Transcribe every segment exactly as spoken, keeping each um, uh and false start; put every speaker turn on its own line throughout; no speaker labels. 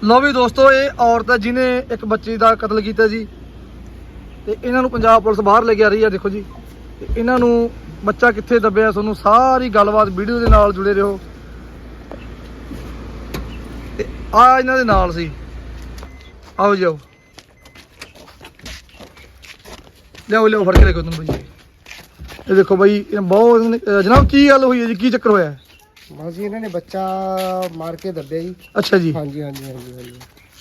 लो भी दोस्तों, ये औरत है जिन्हें एक बच्चे का कतल किया जी। तो इन्हों पंजाब पुलिस बाहर लेके आ रही है। देखो जी, इन्हों बच्चा कित्थे दबिया, तुहानूं सारी गलबात वीडियो के नाल जुड़े रहो। आ इन्हां दे नाल सी, आओ जाओ, लियाओ लियाओ फड़ के देखो तुम भाई। ये देखो भाई, बहुत जनाब की गल हुई है जी, की चक्कर होया?
बस जी इन्होंने बच्चा मार के दबिया जी।
अच्छा जी।
हाँ जी हाँ जी हाँ जी हाँ जी।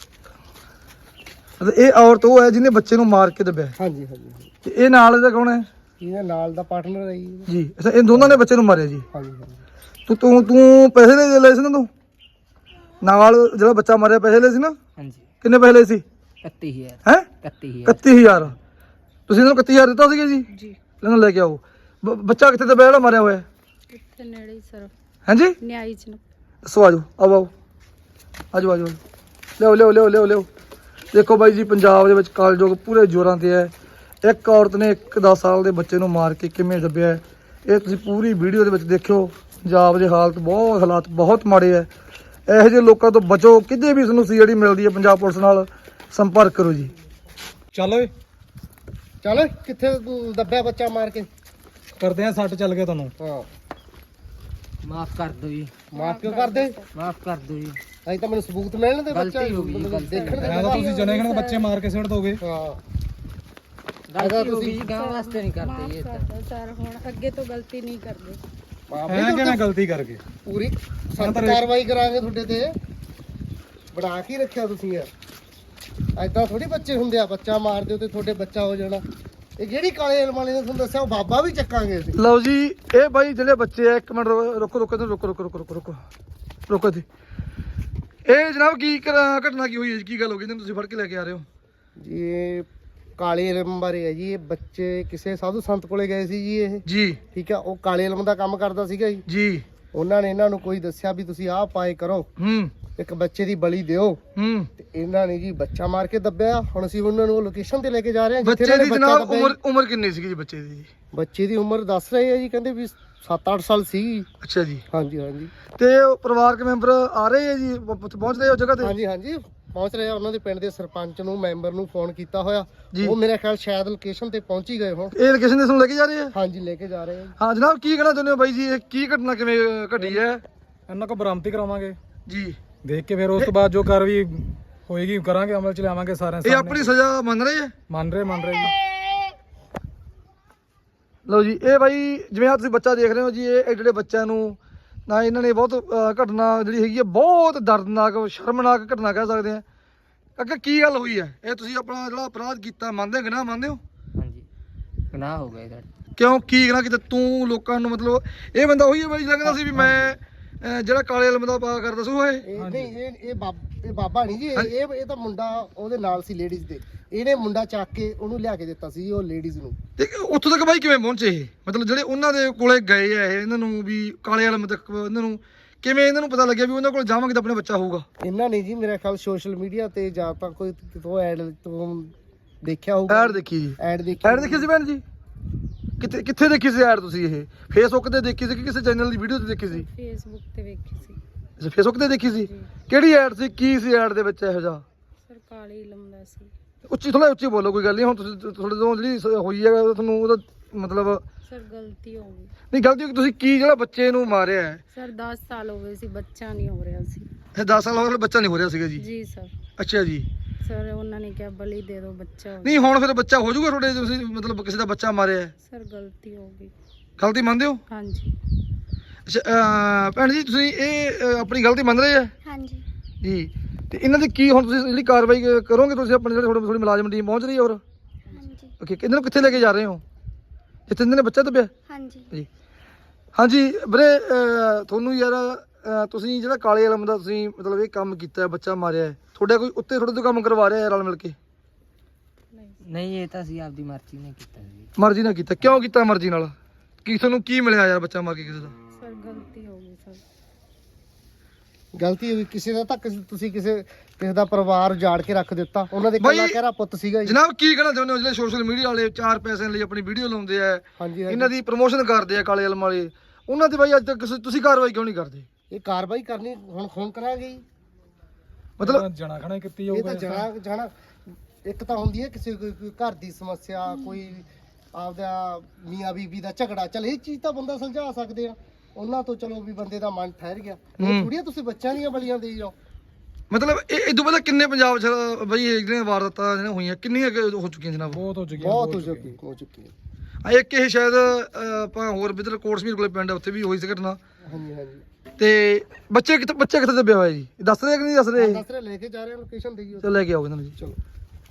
ये औरत वो है जिन्हें बच्चे मार के दबिया?
हाँ जी हाँ जी।
ते ये नाल दा कौन है?
ये नाल दा पार्टनर है जी।
जी अच्छा, इन दोनों ने बच्चे नूं मारिया जी?
हाँ जी हाँ जी।
तू तू तू पैसे ले ले सी ना, तू नाल जेड़ा बच्चा मारिया पैसे ले सी ना?
हाँ जी।
किन्ने पैसे ले सी?
इकत्ती हज़ार।
हैं
इकत्ती हज़ार।
इकत्ती हज़ार ਤੁਸੀਂ ਇਹਨਾਂ ਨੂੰ इकत्ती हज़ार ਦਿੱਤਾ ਸੀਗਾ ਜੀ?
जी।
ਇਹਨਾਂ ਲੈ ਕੇ ਆਓ। ਬ- ਬੱਚਾ ਕਿੱਥੇ ਦਬਿਆ ਜਿਹੜਾ ਮਾਰਿਆ ਹੋਇਆ?
ਇੱਥੇ ਨੇੜੇ ਹੀ ਸਰ,
ਹਾਂਜੀ
ਨਿਆਈ ਚ ਨਾ।
ਦੱਸੋ, ਆਜੋ ਆਓ ਆਓ ਆਜੋ ਆਜੋ ਲਿਆਓ ਲਿਆਓ ਲਿਆਓ ਲਿਆਓ ਲਿਆਓ। ਦੇਖੋ ਬਾਈ ਜੀ, ਪੰਜਾਬ ਦੇ ਵਿੱਚ ਕਾਲਜੋਗ ਪੂਰੇ ਜ਼ੋਰਾਂ ਤੇ ਹੈ। ਇੱਕ ਔਰਤ ਨੇ ਇੱਕ ਦਸ ਸਾਲ ਦੇ ਬੱਚੇ ਨੂੰ ਮਾਰ ਕੇ ਕਿਵੇਂ ਦੱਬਿਆ ਹੈ, ਇਹ ਤੁਸੀਂ ਪੂਰੀ ਵੀਡੀਓ ਦੇ ਵਿੱਚ ਦੇਖਿਓ। ਪੰਜਾਬ ਦੇ ਹਾਲਤ ਬਹੁਤ ਹਾਲਾਤ ਬਹੁਤ ਮਾੜੇ ਹੈ। ਇਹੋ ਜਿਹੇ ਲੋਕਾਂ ਤੋਂ ਬਚੋ। ਕਿਤੇ ਵੀ ਤੁਹਾਨੂੰ ਸੀਆਈਡੀ ਮਿਲਦੀ ਹੈ ਪੰਜਾਬ ਪੁਲਿਸ ਨਾਲ ਸੰਪਰਕ ਕਰੋ ਜੀ।
ਚੱਲ ਓਏ,
चल किथे दबिया बच्चा मार के?
ਕਰਦੇ ਆ ਸੱਟ ਚੱਲ ਗਿਆ ਤੁਹਾਨੂੰ।
हाँ
माफ कर दो जी।
माफ क्यों कर दे?
माफ कर दो जी।
अभी तो मैंने सबूत मिलने दे बच्चा
गलती हो गई जी, गलती
देखने
ਮੈਂ ਤਾਂ ਤੁਸੀਂ ਜਣੇ ਖਣੇ ਬੱਚੇ ਮਾਰ ਕੇ ਸਿੱਟ ਦੋਗੇ।
हाँ
गलती हो गई जी, गाँव वास्ते नहीं करते
ਮਾਫ
ये
ਕਰ
तो।
ਦਿਓ ਸਰ, ਹੁਣ ਅੱਗੇ ਤੋਂ ਗਲਤੀ ਨਹੀਂ ਕਰਦੇ।
ਐ ਕਿਵੇਂ ਗਲਤੀ ਕਰਕੇ?
पूरी सख्त कार्रवाई करांगे ਤੁਹਾਡੇ ਤੇ। ਬਣਾ ਕੇ ਰੱਖਿਆ ਤੁਸੀਂ ਯਾਰ। ਐਦਾਂ ਥੋੜੀ ਬੱਚੇ ਹੁੰਦੇ ਆ, ਬੱਚਾ ਮਾਰ ਦਿਓ ਤੇ ਤੁਹਾਡੇ ਬੱਚਾ ਹੋ ਜਾਣਾ। ਇਹ ਜਿਹੜੀ ਕਾਲੇ ਇਲਮ ਵਾਲੇ ਨੇ ਤੁਹਾਨੂੰ ਦੱਸਿਆ ਉਹ ਬਾਬਾ ਵੀ ਚੱਕਾਂਗੇ ਅਸੀਂ।
ਲਓ ਜੀ, ਇਹ ਬਾਈ ਜਿਹੜੇ ਬੱਚੇ ਆ, ਇੱਕ ਮਿੰਟ ਰੁਕੋ ਰੁਕੋ ਰੁਕੋ ਰੁਕੋ ਰੁਕੋ ਰੁਕੋ ਰੁਕੋ ਰੁਕੋ ਜੀ। ਇਹ ਜਨਾਬ ਕੀ ਘ- ਘਟਨਾ ਕੀ ਹੋਈ ਹੈ ਜੀ? ਕੀ ਗੱਲ ਹੋ ਗਈ ਜਿਹਨੂੰ ਤੁਸੀਂ ਫੜ ਕੇ ਲੈ ਕੇ ਆ ਰਹੇ ਹੋ?
ਜੀ ਇਹ ਕਾਲੇ ਇਲਮ ਬਾਰੇ ਹੈ ਜੀ। ਇਹ ਬੱਚੇ ਕਿਸੇ ਸਾਧੂ ਸੰਤ ਕੋਲੇ ਗਏ ਸੀ ਜੀ। ਇਹ
ਜੀ
ਠੀਕ ਆ, ਉਹ ਕਾਲੇ ਇਲਮ ਦਾ ਕੰਮ ਕਰਦਾ ਸੀਗਾ ਜੀ।
ਜੀ।
ਉਹਨਾਂ ਨੇ ਇਹਨਾਂ ਨੂੰ ਕੋਈ ਦੱਸਿਆ ਵੀ ਤੁਸੀਂ ਆਹ ਪਾਏ ਕਰੋ,
ਹੂੰ
ਇੱਕ ਬੱਚੇ ਦੀ ਬਲੀ ਦਿਓ।
ਹੂੰ
ਤੇ ਇਹਨਾਂ ਨੇ ਜੀ ਬੱਚਾ ਮਾਰ ਕੇ ਦੱਬਿਆ। ਹੁਣ ਅਸੀਂ ਉਹਨਾਂ ਨੂੰ ਲੋਕੇਸ਼ਨ ਤੇ ਲੈ ਕੇ ਜਾ ਰਹੇ ਹਾਂ ਜਿੱਥੇ
ਬੱਚੇ
ਇਹਨਾਂ
ਦੀ
ਨੇ ਬੱਚਾ
ਜਨਾਬ
ਦੱਬਿਆ
ਉਮਰ
ਜੀ।
ਉਮਰ ਕਿੰਨੀ ਸੀਗੀ ਜੀ ਬੱਚੇ ਦੀ?
ਬੱਚੇ ਦੀ ਉਮਰ ਦੱਸ ਰਹੇ ਆ ਜੀ, ਕਹਿੰਦੇ ਵੀ ਸੱਤ ਅੱਠ ਸਾਲ ਸੀ।
ਅੱਛਾ ਜੀ।
ਹਾਂਜੀ ਹਾਂਜੀ
ਤੇ ਉਹ ਪਰਿਵਾਰਕ ਮੈਂਬਰ ਆ ਰਹੇ ਆ ਜੀ, ਪ- ਪਹੁੰਚ ਰਹੇ ਆ ਉਹ ਜਗ੍ਹਾ ਤੇ?
ਹਾਂਜੀ ਹਾਂਜੀ ਪਹੁੰਚ ਰਹੇ ਆ। ਉਹਨਾਂ ਦੇ ਪਿੰਡ ਦੇ ਸਰਪੰਚ ਨੂੰ, ਮੈਂਬਰ ਨੂੰ ਫੋਨ ਕੀਤਾ ਹੋਇਆ।
ਜੀ।
ਉਹ ਮੇਰੇ ਖਿਆਲ ਸ਼ਾਇਦ ਲੋਕੇਸ਼ਨ ਤੇ ਪਹੁੰਚ ਹੀ ਗਏ ਹੋਣ।
ਇਹ ਲੋਕੇਸ਼ਨ ਦੇ ਤੁਹਾਨੂੰ ਲੈ ਕੇ ਜਾ ਰਹੇ ਆ?
ਹਾਂਜੀ ਲੈ ਕੇ ਜਾ ਰਹੇ ਆ ਜੀ।
ਹਾਂ ਜਨਾਬ, ਕੀ ਕਹਿਣਾ ਚਾਹੁੰਦੇ ਹੋ ਬਾਈ ਜੀ? ਇਹ ਕੀ ਘਟਨਾ ਕਿਵੇਂ ਘਟੀ ਹੈ
ਇਹਨਾਂ ਕੋ ਬਰਾਮਤੀ ਕਰਾਵਾਂਗੇ,
ਜੀ?
ਦੇਖ ਕੇ ਫਿਰ ਉਸ ਤੋਂ ਬਾਅਦ ਜੋ ਕਾਰਵਾਈ ਹੋਏਗੀ ਕਰਾਂਗੇ, ਅਮਲ ਚ ਲਿਆਵਾਂਗੇ ਸਾਰਿਆਂ
ਇਹ ਆਪਣੀ ਸਜ਼ਾ ਮੰਨ ਰਹੇ ਆ?
ਮੰਨ ਰਹੇ ਮੰਨ ਰਹੇ ਜੀ।
ਲਓ ਜੀ, ਇਹ ਬਾਈ ਜਿਵੇਂ ਆ ਤੁਸੀਂ ਬੱਚਾ ਦੇਖ ਰਹੇ ਹੋ ਜੀ, ਇਹ ਜਿਹੜੇ ਬੱਚਿਆਂ ਨੂੰ ਨਾ ਇਹਨਾਂ ਨੇ ਬਹੁਤ ਅਹ, ਘਟਨਾ ਜਿਹੜੀ ਹੈਗੀ ਹੈ ਬਹੁਤ ਦਰਦਨਾਕ ਸ਼ਰਮਨਾਕ ਘਟਨਾ ਕਹਿ ਸਕਦੇ ਆ। ਅੱਗੇ ਕੀ ਗੱਲ ਹੋਈ ਹੈ? ਇਹ ਤੁਸੀਂ ਆਪਣਾ ਜਿਹੜਾ ਅਪਰਾਧ ਕੀਤਾ ਮੰਨਦੇ ਹੋ, ਗੁਨਾਹ ਮੰਨਦੇ ਹੋ?
हाँ जी। गुनाह हो गए इधर।
ਕਿਉਂ ਕੀ ਗੁਨਾਹ ਕੀਤਾ ਤੂੰ? ਲੋਕਾਂ ਨੂੰ ਮਤਲਬ ਇਹ ਬੰਦਾ ਉਹੀ ਹੈ ਬਾਈ ਲੱਗਦਾ ਸੀ ਵੀ ਮੈਂ ਅਹ, ਜਿਹੜਾ ਕਾਲੇ ਇਲਮ ਦਾ ਪਾ ਕਰਦਾ ਸੀ ਉਹ ਇਹ?
ਇਹ ਨਹੀਂ ਇਹ ਇਹ ਬਾਬ- ਇਹ ਬਾਬਾ ਨਹੀਂ ਜੀ। ਇਹ ਇਹ ਇਹ ਤਾਂ ਮੁੰਡਾ ਉਹਦੇ ਨਾਲ ਸੀ ਲੇਡੀਜ਼ ਦੇ। ਇਹਨੇ ਮੁੰਡਾ ਚੱਕ ਕੇ ਉਹਨੂੰ ਲਿਆ ਕੇ ਦਿੱਤਾ ਸੀ ਉਹ ਲੇਡੀਜ਼ ਨੂੰ।
ਤੇ ਉੱਥੋਂ ਤੱਕ ਬਾਈ ਕਿਵੇਂ ਪਹੁੰਚੇ ਇਹ? ਮਤਲਬ ਜਿਹੜੇ ਉਹਨਾਂ ਦੇ ਕੋਲੇ ਗਏ ਆ ਇਹ, ਇਹਨਾਂ ਨੂੰ ਵੀ ਕਾਲੇ ਇਲਮ ਤੱਕ ਇਹਨਾਂ ਨੂੰ ਕਿਵੇਂ ਇਹਨਾਂ ਨੂੰ ਪਤਾ ਲੱਗਿਆ ਵੀ ਉਹਨਾਂ ਕੋਲ ਜਾਵਾਂਗੇ ਤਾਂ ਆਪਣਾ ਬੱਚਾ ਹੋਊਗਾ?
ਇਹਨਾਂ ਨੇ ਜੀ ਮੇਰੇ ਖਿਆਲ ਸੋਸ਼ਲ ਮੀਡੀਆ ਤੇ ਜਾਂ ਤਾਂ ਕੋਈ ਕਿਤੋਂ ਐਡ ਤੋਂ ਦੇਖਿਆ ਹੋਊਗਾ।
ਐਡ ਦੇਖੀ ਜੀ?
ਐਡ ਦੇਖੀ
ਐਡ ਦੇਖੀ ਸੀ ਭੈਣ ਜੀ? ਕਿੱਥੇ ਕਿੱਥੇ ਦੇਖੀ ਸੀ ਐਡ ਤੁਸੀਂ? ਇਹ ਫੇਸਬੁੱਕ ਤੇ ਦੇਖੀ ਸੀ ਕਿ ਕਿਸੇ ਚੈਨਲ ਦੀ ਵੀਡੀਓ ਤੇ ਦੇਖੀ ਸੀ?
ਫੇਸਬੁੱਕ ਤੇ ਵੇਖੀ ਸੀ
ਅੱਛਾ, ਫੇਸਬੁੱਕ ਤੇ ਦੇਖੀ ਸੀ।
ਜੀ।
ਕਿਹੜੀ ਐਡ ਸੀ? ਕੀ ਸੀ ਐਡ ਦੇ ਵਿੱਚ ਇਹੋ ਜਿਹਾ?
ਸਰ, ਕਾਲੀ ਇਲਮ ਦਾ ਸੀ।
ਉੱਚੀ ਥੋੜਾ ਉੱਚੀ ਬੋਲੋ, ਕੋਈ ਗੱਲ ਨਹੀਂ। ਹੁਣ ਤੁਸੀਂ ਤੁਹਾਡੇ ਤੋਂ ਜਿਹੜੀ ਸ- ਹੋਈ ਹੈ ਤੁਹਾਨੂੰ ਉਹਦਾ ਮਤਲਬ
ਸਰ ਗਲਤੀ ਹੋ ਗਈ
ਨਹੀਂ ਗਲਤੀ ਹੋ ਗਈ। ਤੁਸੀਂ ਕੀ ਜਿਹੜਾ ਬੱਚੇ ਨੂੰ ਮਾਰਿਆ ਹੈ?
ਸਰ। ਦਸ ਸਾਲ ਹੋ ਗਏ ਸੀ, ਬੱਚਾ ਨਹੀਂ ਹੋ ਰਿਹਾ ਸੀ।
ਇਹ ਦਸ ਸਾਲ ਹੋ ਗਏ ਬੱਚਾ ਨਹੀਂ ਹੋ ਰਿਹਾ ਸੀਗਾ ਜੀ?
ਜੀ ਸਰ।
ਅੱਛਾ ਜੀ।
ਸਰ ਉਹਨਾਂ ਨੇ ਕਿਹਾ ਬਲੀ ਦੇ ਦਿਓ, ਬੱਚਾ ਹੋ
ਨਹੀਂ ਹੁਣ ਫਿਰ ਬੱਚਾ ਹੋ ਜਾਊਗਾ ਤੁਹਾਡੇ? ਤੁਸੀਂ ਮਤਲਬ ਕਿਸੇ ਦਾ ਬੱਚਾ ਮਾਰਿਆ ਹੈ,
ਸਰ ਗਲਤੀ ਹੋ ਗਈ।
ਗਲਤੀ ਮੰਨਦੇ ਹੋ?
ਹਾਂਜੀ
ਅੱਛਾ ਅਹ, ਭੈਣ ਜੀ ਤੁਸੀਂ ਇਹ ਅਹ, ਆਪਣੀ ਗਲਤੀ ਮੰਨ ਰਹੇ ਆ
ਹਾਂਜੀ
ਜੀ? ਤੇ ਇਹਨਾਂ ਦੀ ਕੀ ਹੁਣ ਤੁਸੀਂ ਜਿਹੜੀ ਕਾਰਵਾਈ ਕਰੋਗੇ? ਤੁਸੀਂ ਆਪਣੇ ਜਿਹੜੇ ਤੁਹਾਡੇ ਥੋੜੀ ਮੁਲਾਜ਼ਮ ਟੀਮ ਪਹੁੰਚ ਰਹੀ ਹੈ? ਹੋਰ
ਹਾਂਜੀ
ਓਕੇ, ਇਹਨਾਂ ਨੂੰ ਕਿੱਥੇ ਲੈ ਕੇ ਜਾ ਰਹੇ ਹੋ ਜਿੱਥੇ ਇਹਨਾਂ ਨੇ ਬੱਚਾ ਦੱਬਿਆ
ਹਾਂਜੀ
ਜੀ? ਹਾਂਜੀ ਵੀਰੇ, ਅਹ, ਤੁਹਾਨੂੰ ਯਾਰ ਅਹ, ਤੁਸੀਂ ਜਿਹੜਾ ਕਾਲੇ ਇਲਮ ਦਾ ਤੁਸੀਂ ਮਤਲਬ ਇਹ ਕੰਮ ਕੀਤਾ ਹੈ, ਬੱਚਾ ਮਾਰਿਆ ਹੈ, ਤੁਹਾਡਾ ਕੋਈ ਉੱਤੇ ਤੁਹਾਡੇ ਤੋਂ ਕੰਮ ਕਰਵਾ ਰਿਹਾ ਹੈ ਰਲ ਮਿਲ ਕੇ?
नहीं ये तो ਅਸੀਂ ਆਪਦੀ ਮਰਜ਼ੀ ਨਾਲ ਕੀਤਾ ਜੀ।
ਮਰਜ਼ੀ ਨਾਲ ਕੀਤਾ? ਕਿਉਂ ਕੀਤਾ ਮਰਜ਼ੀ ਨਾਲ? ਕੀ ਤੁਹਾਨੂੰ ਕੀ ਮਿਲਿਆ ਯਾਰ ਬੱਚਾ ਮਾਰ ਕੇ ਕਿਸੇ ਦਾ?
ਸਰ ਗਲਤੀ ਹੋ ਗਈ ਸਰ।
ਗਲਤੀ ਹੋਈ ਕਿਸੇ ਦਾ। ਤੱਕ ਤੁਸੀਂ ਕਿਸੇ ਕਿਸੇ ਦਾ ਪਰਿਵਾਰ ਉਜਾੜ ਕੇ ਰੱਖ ਦਿੱਤਾ। ਉਹਨਾਂ ਦੇ
ਬਾਈ,
ਕੱਲਾ ਕਹਿਰਾ ਪੁੱਤ ਸੀਗਾ ਜੀ।
ਜਨਾਬ ਕੀ ਕਹਿਣਾ ਚਾਹੁੰਦੇ ਹੋ ਜਿਹੜੇ ਸੋਸ਼ਲ ਮੀਡੀਆ ਵਾਲੇ ਚਾਰ ਪੈਸਿਆਂ ਲਈ ਆਪਣੀ ਵੀਡੀਓ ਲਾਉਂਦੇ ਆ,
ਹਾਂਜੀ
ਇਹਨਾਂ ਦੀ ਪ੍ਰਮੋਸ਼ਨ ਕਰਦੇ ਆ ਕਾਲੇ ਇਲਮ ਵਾਲੇ, ਉਹਨਾਂ ਤੇ ਬਾਈ ਅੱਜ ਤੱਕ ਕਿਸੇ- ਤੁਸੀਂ ਕਾਰਵਾਈ ਕਿਉਂ ਨਹੀਂ ਕਰਦੇ?
ਇਹ ਕਾਰਵਾਈ ਕਰਨੀ ਹੁਣ ਖੂਨ ਕਰਾਂਗੇ ਜੀ।
ਮਤਲਬ
ਜਣਾ ਖਣਾ ਹੀ ਕੀਤੀ
ਇਹ
ਜਾਊਗਾ
ਤਾਂ ਜਾਣਾ ਜਾਣਾ ਇੱਕ ਤਾਂ ਹੁੰਦੀ ਹੈ ਕਿਸੇ ਕੋਈ ਕੋਈ ਘਰ ਦੀ ਸਮੱਸਿਆ, ਕੋਈ ਆਪਦਾ ਮੀਆਂ ਬੀਬੀ ਦਾ ਝਗੜਾ, ਚਲ ਇਹ ਚੀਜ਼ ਤਾਂ ਬੰਦਾ ਸੁਲਝਾ ਸਕਦੇ ਆ ਉਹਨਾਂ ਤੋਂ, ਚਲੋ ਵੀ ਬੰਦੇ ਦਾ ਮਨ ਠਹਿਰ ਗਿਆ। ਇਹ ਥੋੜੀਆਂ ਤੁਸੀਂ ਬੱਚਿਆਂ ਦੀਆਂ ਬਲੀਆਂ ਦੇਈ ਜਾਓ।
ਮਤਲਬ ਇਹ ਇਦੋਂ ਪਹਿਲਾਂ ਕਿੰਨੇ ਪੰਜਾਬ 'ਚ ਬਈ ਇਹ ਜਿਹੜੀਆਂ ਵਾਰਦਾਤਾਂ ਜਿਹੜੀਆਂ ਹੋਈਆਂ ਕਿੰਨੀਆਂ ਕੁ ਹੋ ਚੁੱਕੀਆਂ ਜਨਾਬ?
ਬਹੁਤ ਹੋ ਚੁੱਕੀ
ਬਹੁਤ ਹੋ ਚੁੱਕੀ ਹੋ ਚੁੱਕੀ ਹੈ।
ਆ ਇੱਕ ਇਹ ਸ਼ਾਇਦ ਅਹ, ਆਪਾਂ ਹੋਰ ਵਿਦਰ ਕੋਟਸਮੀਰ ਕੋਲੇ ਪਿੰਡ ਆ, ਉੱਥੇ ਵੀ ਹੋਈ ਸੀ ਘਟਨਾ।
ਹਾਂਜੀ ਹਾਂਜੀ
ਤੇ ਬੱਚੇ ਕਿੱਥੇ ਬੱਚੇ ਕਿੱਥੇ ਦੱਬਿਆ ਹੋਇਆ ਜੀ? ਦੱਸ ਰਹੇ ਕਿ ਨਹੀਂ ਦੱਸ ਰਹੇ?
ਦੱਸ ਰਹੇ ਲੈ ਕੇ ਜਾ ਰਹੇ ਲੋਕੇਸ਼ਨ ਦੇਈਓ।
ਚਲ ਲੈ ਕੇ ਆਓ ਇਹਨਾਂ ਨੂੰ ਜੀ।
ਚਲੋ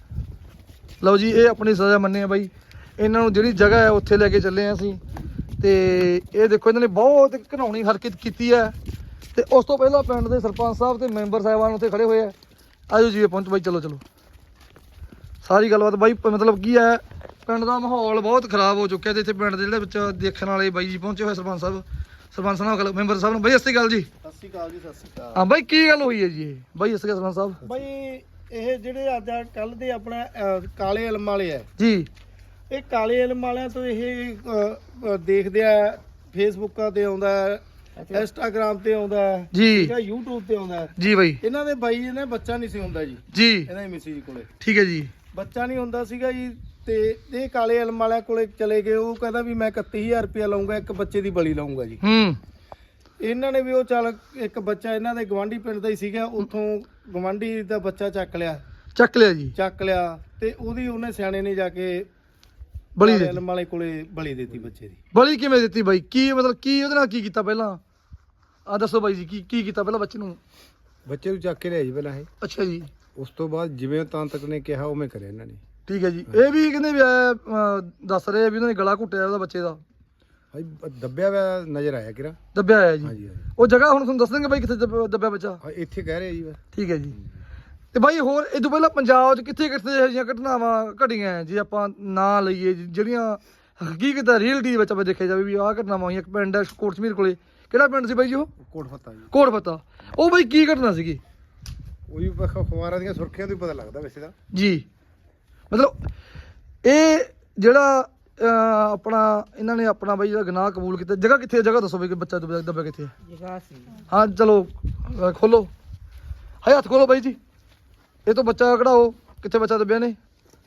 ਲਓ ਜੀ, ਇਹ ਆਪਣੀ ਸਜ਼ਾ ਮੰਨੇ ਆ ਬਾਈ। ਇਹਨਾਂ ਨੂੰ ਜਿਹੜੀ ਜਗ੍ਹਾ ਹੈ ਉੱਥੇ ਲੈ ਕੇ ਚੱਲੇ ਆ ਅਸੀਂ। ਤੇ ਇਹ ਦੇਖੋ ਇਹਨਾਂ ਨੇ ਬਹੁਤ ਘਿਨਾਉਣੀ ਹਰਕਤ ਕੀਤੀ ਹੈ। ਤੇ ਉਸ ਤੋਂ ਪਹਿਲਾਂ ਪਿੰਡ ਦੇ ਸਰਪੰਚ ਸਾਹਿਬ ਤੇ ਮੈਂਬਰ ਸਾਹਿਬਾਨ ਉੱਥੇ ਖੜੇ ਹੋਏ ਆ। ਆਜੋ ਜੀ ਪਹੁੰਚ ਬਾਈ, ਚਲੋ ਚਲੋ ਸਾਰੀ ਗੱਲਬਾਤ ਬਾਈ। ਮਤਲਬ ਕੀ ਹੈ, ਪਿੰਡ ਦਾ ਮਾਹੌਲ ਬਹੁਤ ਖਰਾਬ ਹੋ ਚੁੱਕਿਆ ਤੇ ਇੱਥੇ ਪਿੰਡ ਦੇ ਜਿਹੜੇ ਬੱਚਾ ਦੇਖਣ ਵਾਲੇ ਬਾਈ ਜੀ ਪਹੁੰਚੇ ਹੋਏ, ਸਰਪੰਚ ਸਾਹਿਬ ਸਰਪੰਚ ਸਾਹਿਬ ਨਾਲ ਮੈਂਬਰ ਸਾਹਿਬ ਨੂੰ ਬਾਈ ਸਤਿ ਸ਼੍ਰੀ ਅਕਾਲ ਜੀ।
ਸਤਿ ਸ਼੍ਰੀ ਅਕਾਲ ਜੀ। ਸਤਿ ਸ਼੍ਰੀ ਅਕਾਲ।
ਹਾਂ ਬਾਈ, ਕੀ ਗੱਲ ਹੋਈ ਹੈ ਜੀ ਇਹ ਬਾਈ? ਸਤਿ ਸ਼੍ਰੀ ਅਕਾਲ ਸਰਪੰਚ ਸਾਹਿਬ।
ਬਈ ਇਹ ਜਿਹੜੇ ਅੱਜ ਕੱਲ ਦੇ ਆਪਣਾ ਅਹ, ਕਾਲੇ ਇਲਮ ਵਾਲੇ ਆ,
ਜੀ
ਇਹ ਕਾਲੇ ਇਲਮ ਵਾਲਿਆਂ ਤੋਂ ਇਹ ਅਹ, ਅਹ, ਦੇਖਦੇ ਆ, ਫੇਸਬੁੱਕਾਂ ਤੇ ਆਉਂਦਾ, ਇੰਸਟਾਗ੍ਰਾਮ ਤੇ ਆਉਂਦਾ,
ਜੀ
ਠੀਕ ਹੈ, YouTube ਤੇ ਆਉਂਦਾ।
ਜੀ ਬਾਈ
ਇਹਨਾਂ ਦੇ ਬਾਈ ਇਹਨੇ ਬੱਚਾ ਨਹੀਂ ਸੀ ਹੁੰਦਾ ਜੀ,
ਜੀ
ਇਹਨਾਂ ਦੀ ਮਿਸੀ ਜੀ ਕੋਲੇ
ਠੀਕ ਹੈ ਜੀ।
ਬੱਚਾ ਨਹੀਂ ਹੁੰਦਾ ਸੀਗਾ ਜੀ। ਤੇ ਇਹ ਕਾਲੇ ਇਲਮ ਵਾਲਿਆਂ ਕੋਲੇ ਚਲੇ ਗਏ। ਉਹ ਕਹਿੰਦਾ ਵੀ ਮੈਂ ਇਕੱਤੀ ਹਜ਼ਾਰ ਰੁਪਇਆ ਲਊਂਗਾ, ਇੱਕ ਬੱਚੇ ਦੀ ਬਲੀ ਲਾਉਂਗਾ ਜੀ।
ਹੂੰ
ਇਹਨਾਂ ਨੇ ਵੀ ਉਹ ਚੱਲ ਇੱਕ ਬੱਚਾ ਇਹਨਾਂ ਦੇ ਗਵਾਂਢੀ ਪਿੰਡ ਦਾ ਹੀ ਸੀਗਾ, ਉੱਥੋਂ ਗਵਾਂਢੀ ਦਾ ਬੱਚਾ ਚੱਕ ਲਿਆ
ਚੱਕ ਲਿਆ ਜੀ,
ਚੱਕ ਲਿਆ ਤੇ ਉਹਦੀ ਉਹਨੇ ਸਿਆਣੇ ਨੇ ਜਾ ਕੇ
ਬਲੀ
ਕਾਲੇ
ਦੇ
ਇਲਮ ਵਾਲੇ ਕੋਲੇ ਬਲੀ ਦਿੱਤੀ ਬੱਚੇ ਦੀ।
ਬਲੀ ਕਿਵੇਂ ਦਿੱਤੀ ਬਾਈ? ਕੀ ਮਤਲਬ ਕੀ ਉਹਦੇ ਨਾਲ ਕੀ ਕੀਤਾ ਪਹਿਲਾਂ? ਆ ਦੱਸੋ ਬਾਈ ਜੀ, ਕੀ ਕੀ ਕੀਤਾ ਪਹਿਲਾਂ ਬੱਚੇ ਨੂੰ?
ਬੱਚੇ ਨੂੰ ਚੱਕ ਕੇ ਲਿਆ ਜੀ ਪਹਿਲਾਂ ਇਹ।
ਅੱਛਾ ਜੀ,
ਉਸ ਤੋਂ ਬਾਅਦ ਜਿਵੇਂ ਤਾਂਤਕ ਨੇ ਕਿਹਾ ਉਵੇਂ ਕਰਿਆ ਇਹਨਾਂ ਨੇ।
ਠੀਕ ਹੈ ਜੀ। ਇਹ ਵੀ ਕਹਿੰਦੇ ਵੀ ਇਹ, ਅਹ, ਦੱਸ ਰਹੇ ਆ ਵੀ ਉਹਨਾਂ ਨੇ ਗਲਾ ਘੁੱਟਿਆ ਉਹਦਾ ਬੱਚੇ ਦਾ,
ਭਾਈ ਦੱਬਿਆ ਹੋਇਆ ਨਜ਼ਰ ਆਇਆ ਕਿਰਾ।
ਦੱਬਿਆ ਹੋਇਆ ਜੀ।
ਹਾਂਜੀ ਹਾਂਜੀ
ਉਹ ਜਗ੍ਹਾ ਹੁਣ ਤੁਹਾਨੂੰ ਦੱਸ ਦੇਣਗੇ ਬਾਈ ਕਿੱਥੇ ਦੱਬ- ਦੱਬਿਆ ਬੱਚਾ।
ਹਾਂ, ਇੱਥੇ ਕਹਿ ਰਹੇ ਜੀ ਬਸ।
ਠੀਕ ਹੈ ਜੀ। ਤੇ ਬਾਈ ਹੋਰ ਇਹ ਤੋਂ ਪਹਿਲਾਂ ਪੰਜਾਬ 'ਚ ਕਿੱਥੇ ਕਿੱਥੇ ਇਹੋ ਜਿਹੀਆਂ ਘਟਨਾਵਾਂ ਘਟੀਆਂ ਜੇ ਆਪਾਂ ਨਾਂ ਲਈਏ, ਜ- ਜਿਹੜੀਆਂ ਹਕੀਕਤ ਰਿਅਲਟੀ ਦੇ ਵਿੱਚ ਆਪਾਂ ਦੇਖਿਆ ਜਾਵੇ ਵੀ ਆਹ ਘਟਨਾਵਾਂ ਹੋਈਆਂ? ਇੱਕ ਪਿੰਡ ਹੈ ਕੋਟਸਮੀਰ ਕੋਲੇ, ਕਿਹੜਾ ਪਿੰਡ ਸੀ ਬਾਈ ਜੀ ਉਹ?
ਕੋਟ ਫੱਤਾ ਜੀ।
ਕੋਟ ਫੱਤਾ। ਉਹ ਬਾਈ ਕੀ ਘਟਨਾ ਸੀਗੀ
ਉਹ ਵੀ ਬਸ ਅਖਬਾਰਾਂ ਦੀਆਂ ਸੁਰਖੀਆਂ ਤੋਂ ਹੀ ਪਤਾ ਲੱਗਦਾ ਵੈਸੇ ਤਾਂ।
ਜੀ? ਮਤਲਬ ਇਹ ਜਿਹੜਾ ਅਹ, ਆਪਣਾ ਇਹਨਾਂ ਨੇ ਆਪਣਾ ਬਾਈ ਜਿਹੜਾ ਗੁਨਾਹ ਕਬੂਲ ਕੀਤਾ, ਜਗ੍ਹਾ ਕਿੱਥੇ ਹੈ? ਜਗ੍ਹਾ ਦੱਸੋ ਵੀ ਕਿ ਬੱਚਾ ਦੱਬਿਆ ਦੱਬਿਆ ਕਿੱਥੇ ਹੈ?
ਜਗ੍ਹਾ ਸੀ
ਹਾਂ ਚਲੋ ਅਹ, ਖੋਲੋ ਹਾਏ ਹੱਥ ਖੋਲੋ ਬਾਈ ਜੀ। ਇਹ ਤੋਂ ਬੱਚਾ ਕਢਾਓ, ਕਿੱਥੇ ਬੱਚਾ ਦੱਬਿਆ ਨੇ?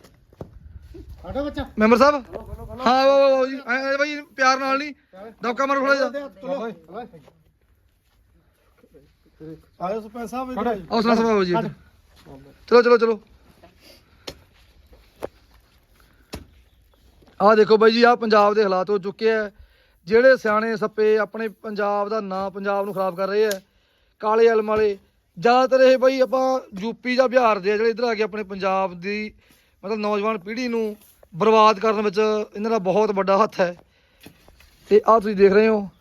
ਸਾਡਾ ਬੱਚਾ
ਮੈਂਬਰ ਸਾਹਿਬ ਹਾਂ ਆਓ ਆਓ ਆਓ ਜੀ, ਐ ਐ ਬਾਈ ਪਿਆਰ ਨਾਲ ਨਹੀਂ ਦਬਕਾ ਮਾਰੋ ਥੋੜਾ ਜਿਹਾ।
ਆਇਓ ਸਰਪੰਚ ਸਾਹਿਬ ਇੱਧਰ ਆਇਓ।
ਹੌਸਲਾ ਸਭਾਓ ਜੀ ਇੱਧਰ। ਚਲੋ ਚਲੋ ਚਲੋ ਆਹ ਦੇਖੋ ਬਾਈ ਜੀ, ਆਹ ਪੰਜਾਬ ਦੇ ਹਾਲਾਤ ਹੋ ਚੁੱਕੇ ਆ। ਜਿਹੜੇ ਸਿਆਣੇ ਸੱਪੇ ਆਪਣੇ ਪੰਜਾਬ ਦਾ ਨਾਂ, ਪੰਜਾਬ ਨੂੰ ਖਰਾਬ ਕਰ ਰਹੇ ਆ, ਕਾਲੇ ਇਲਮ ਵਾਲੇ ਜ਼ਿਆਦਾਤਰ ਇਹ ਬਾਈ ਆਪਾਂ ਯੂਪੀ ਜਾਂ ਬਿਹਾਰ ਦੇ ਆ ਜਿਹੜੇ ਇੱਧਰ ਆ ਕੇ ਆਪਣੇ ਪੰਜਾਬ ਦੀ ਮਤਲਬ ਨੌਜਵਾਨ ਪੀੜ੍ਹੀ ਨੂੰ ਬਰਬਾਦ ਕਰਨ ਵਿੱਚ ਇਹਨਾਂ ਦਾ ਬਹੁਤ ਵੱਡਾ ਹੱਥ ਹੈ। ਤੇ ਆਹ ਤੁਸੀਂ ਦੇਖ ਰਹੇ ਹੋ,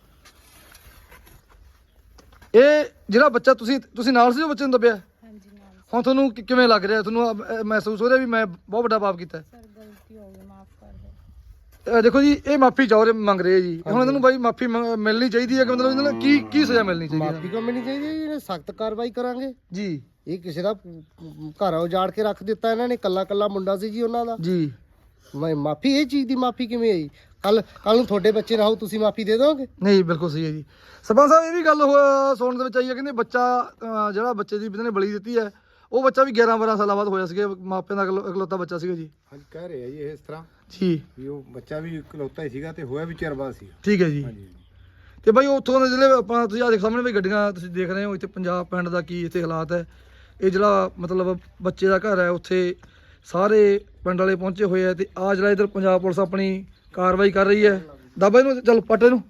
ਇਹ ਜਿਹੜਾ ਬੱਚਾ ਤੁਸੀਂ ਤੁਸੀਂ ਨਾਲ ਸੀ ਉਹ ਬੱਚੇ ਨੂੰ ਦੱਬਿਆ?
ਹਾਂਜੀ ਨਾਲ
ਹੁਣ ਤੁਹਾਨੂੰ ਕਿ- ਕਿਵੇਂ ਲੱਗ ਰਿਹਾ? ਤੁਹਾਨੂੰ ਅਹ, ਅਹ, ਮਹਿਸੂਸ ਹੋ ਰਿਹਾ ਵੀ ਮੈਂ ਬਹੁਤ ਵੱਡਾ ਪਾਪ ਕੀਤਾ ਹੈ?
ਸਰ ਗਲਤੀ ਹੋ ਗਈ, ਮਾਫ ਕਰ ਦਿਓ।
ਅਹ, ਦੇਖੋ ਜੀ, ਇਹ ਮਾਫੀ ਚਾਹ ਰਹੇ ਮੰਗ ਰਹੇ ਜੀ। ਹੁਣ ਇਹਨਾਂ ਨੂੰ ਬਾਈ ਮਾਫੀ ਮਿਲਣੀ ਚਾਹੀਦੀ ਹੈ ਕਿ ਮਤਲਬ ਇਹਨਾਂ ਨੂੰ ਕੀ ਕੀ ਸਜ਼ਾ ਮਿਲਣੀ ਚਾਹੀਦੀ
ਮਾਫੀ ਕਿਉਂ ਮਿਲਣੀ ਚਾਹੀਦੀ ਹੈ? ਇਹਨੇ ਸਖਤ ਕਾਰਵਾਈ ਕਰਾਂਗੇ
ਜੀ?
ਇਹ ਕਿਸੇ ਦਾ ਘਰ ਉਜਾੜ ਕੇ ਰੱਖ ਦਿੱਤਾ ਇਹਨਾਂ ਨੇ, ਕੱਲਾ ਕੱਲਾ ਮੁੰਡਾ ਸੀ ਜੀ ਉਹਨਾਂ ਦਾ।
ਜੀ
ਮੈਂ ਮਾਫੀ, ਇਹ ਚੀਜ਼ ਦੀ ਮਾਫੀ ਕਿਵੇਂ ਆਈ? ਕੱਲ ਕੱਲ ਨੂੰ ਤੁਹਾਡੇ ਬੱਚੇ ਨਾ ਹੋ, ਤੁਸੀਂ ਮਾਫੀ ਦੇ ਦੋਗੇ?
ਨਹੀਂ, ਬਿਲਕੁਲ ਸਹੀ ਹੈ ਜੀ। ਸਰਪੰਚ ਸਾਹਿਬ ਇਹ ਵੀ ਗੱਲ ਹੋ- ਸੁਣਨ ਦੇ ਵਿੱਚ ਆਈ ਹੈ, ਕਹਿੰਦੇ ਬੱਚਾ ਅਹ, ਜਿਹੜਾ ਬੱਚੇ ਦੀ ਇਹਨਾਂ ਨੇ ਬਲੀ ਦਿੱਤੀ ਹੈ, ਉਹ ਬੱਚਾ ਵੀ ਗਿਆਰਾਂ ਬਾਰਾਂ ਸਾਲਾਂ ਬਾਅਦ ਹੋਇਆ ਸੀਗਾ, ਮਾਪਿਆਂ ਦਾ ਇਕਲੌ- ਇਕਲੌਤਾ ਬੱਚਾ ਸੀਗਾ ਜੀ।
ਹਾਂਜੀ ਕਹਿ ਰਹੇ ਆ ਜੀ ਇਹ ਇਸ ਤਰ੍ਹਾਂ
ਜੀ
ਵੀ ਉਹ ਬੱਚਾ ਵੀ ਇਕਲੌਤਾ ਹੀ ਸੀਗਾ ਤੇ ਹੋਇਆ ਵੀ ਚਿਰ ਬਾਅਦ ਸੀਗਾ।
ਠੀਕ ਹੈ ਜੀ।
ਹਾਂਜੀ
ਤੇ ਬਾਈ ਉੱਥੋਂ ਦੇ ਜਿਹੜੇ ਆਪਾਂ ਤੁਸੀਂ ਆਹ ਦੇਖ ਸਾਹਮਣੇ ਵੀ ਗੱਡੀਆਂ ਤੁਸੀਂ ਦੇਖ ਰਹੇ ਹੋ, ਇੱਥੇ ਪੰਜਾਬ ਪਿੰਡ ਦਾ ਕੀ ਇੱਥੇ ਹਾਲਾਤ ਹੈ। ਇਹ ਜਿਹੜਾ ਮਤਲਬ ਬੱਚੇ ਦਾ ਘਰ ਹੈ, ਉੱਥੇ ਸਾਰੇ ਪਿੰਡ ਵਾਲੇ ਪਹੁੰਚੇ ਹੋਏ ਆ। ਤੇ ਆ ਜਿਹੜਾ ਇੱਧਰ ਪੰਜਾਬ ਪੁਲਿਸ ਆਪਣੀ ਕਾਰਵਾਈ ਕਰ ਰਹੀ ਹੈ। ਦਾਬਾ ਇਹਨੂੰ ਚੱਲ ਪੱਟ ਇਹਨੂੰ।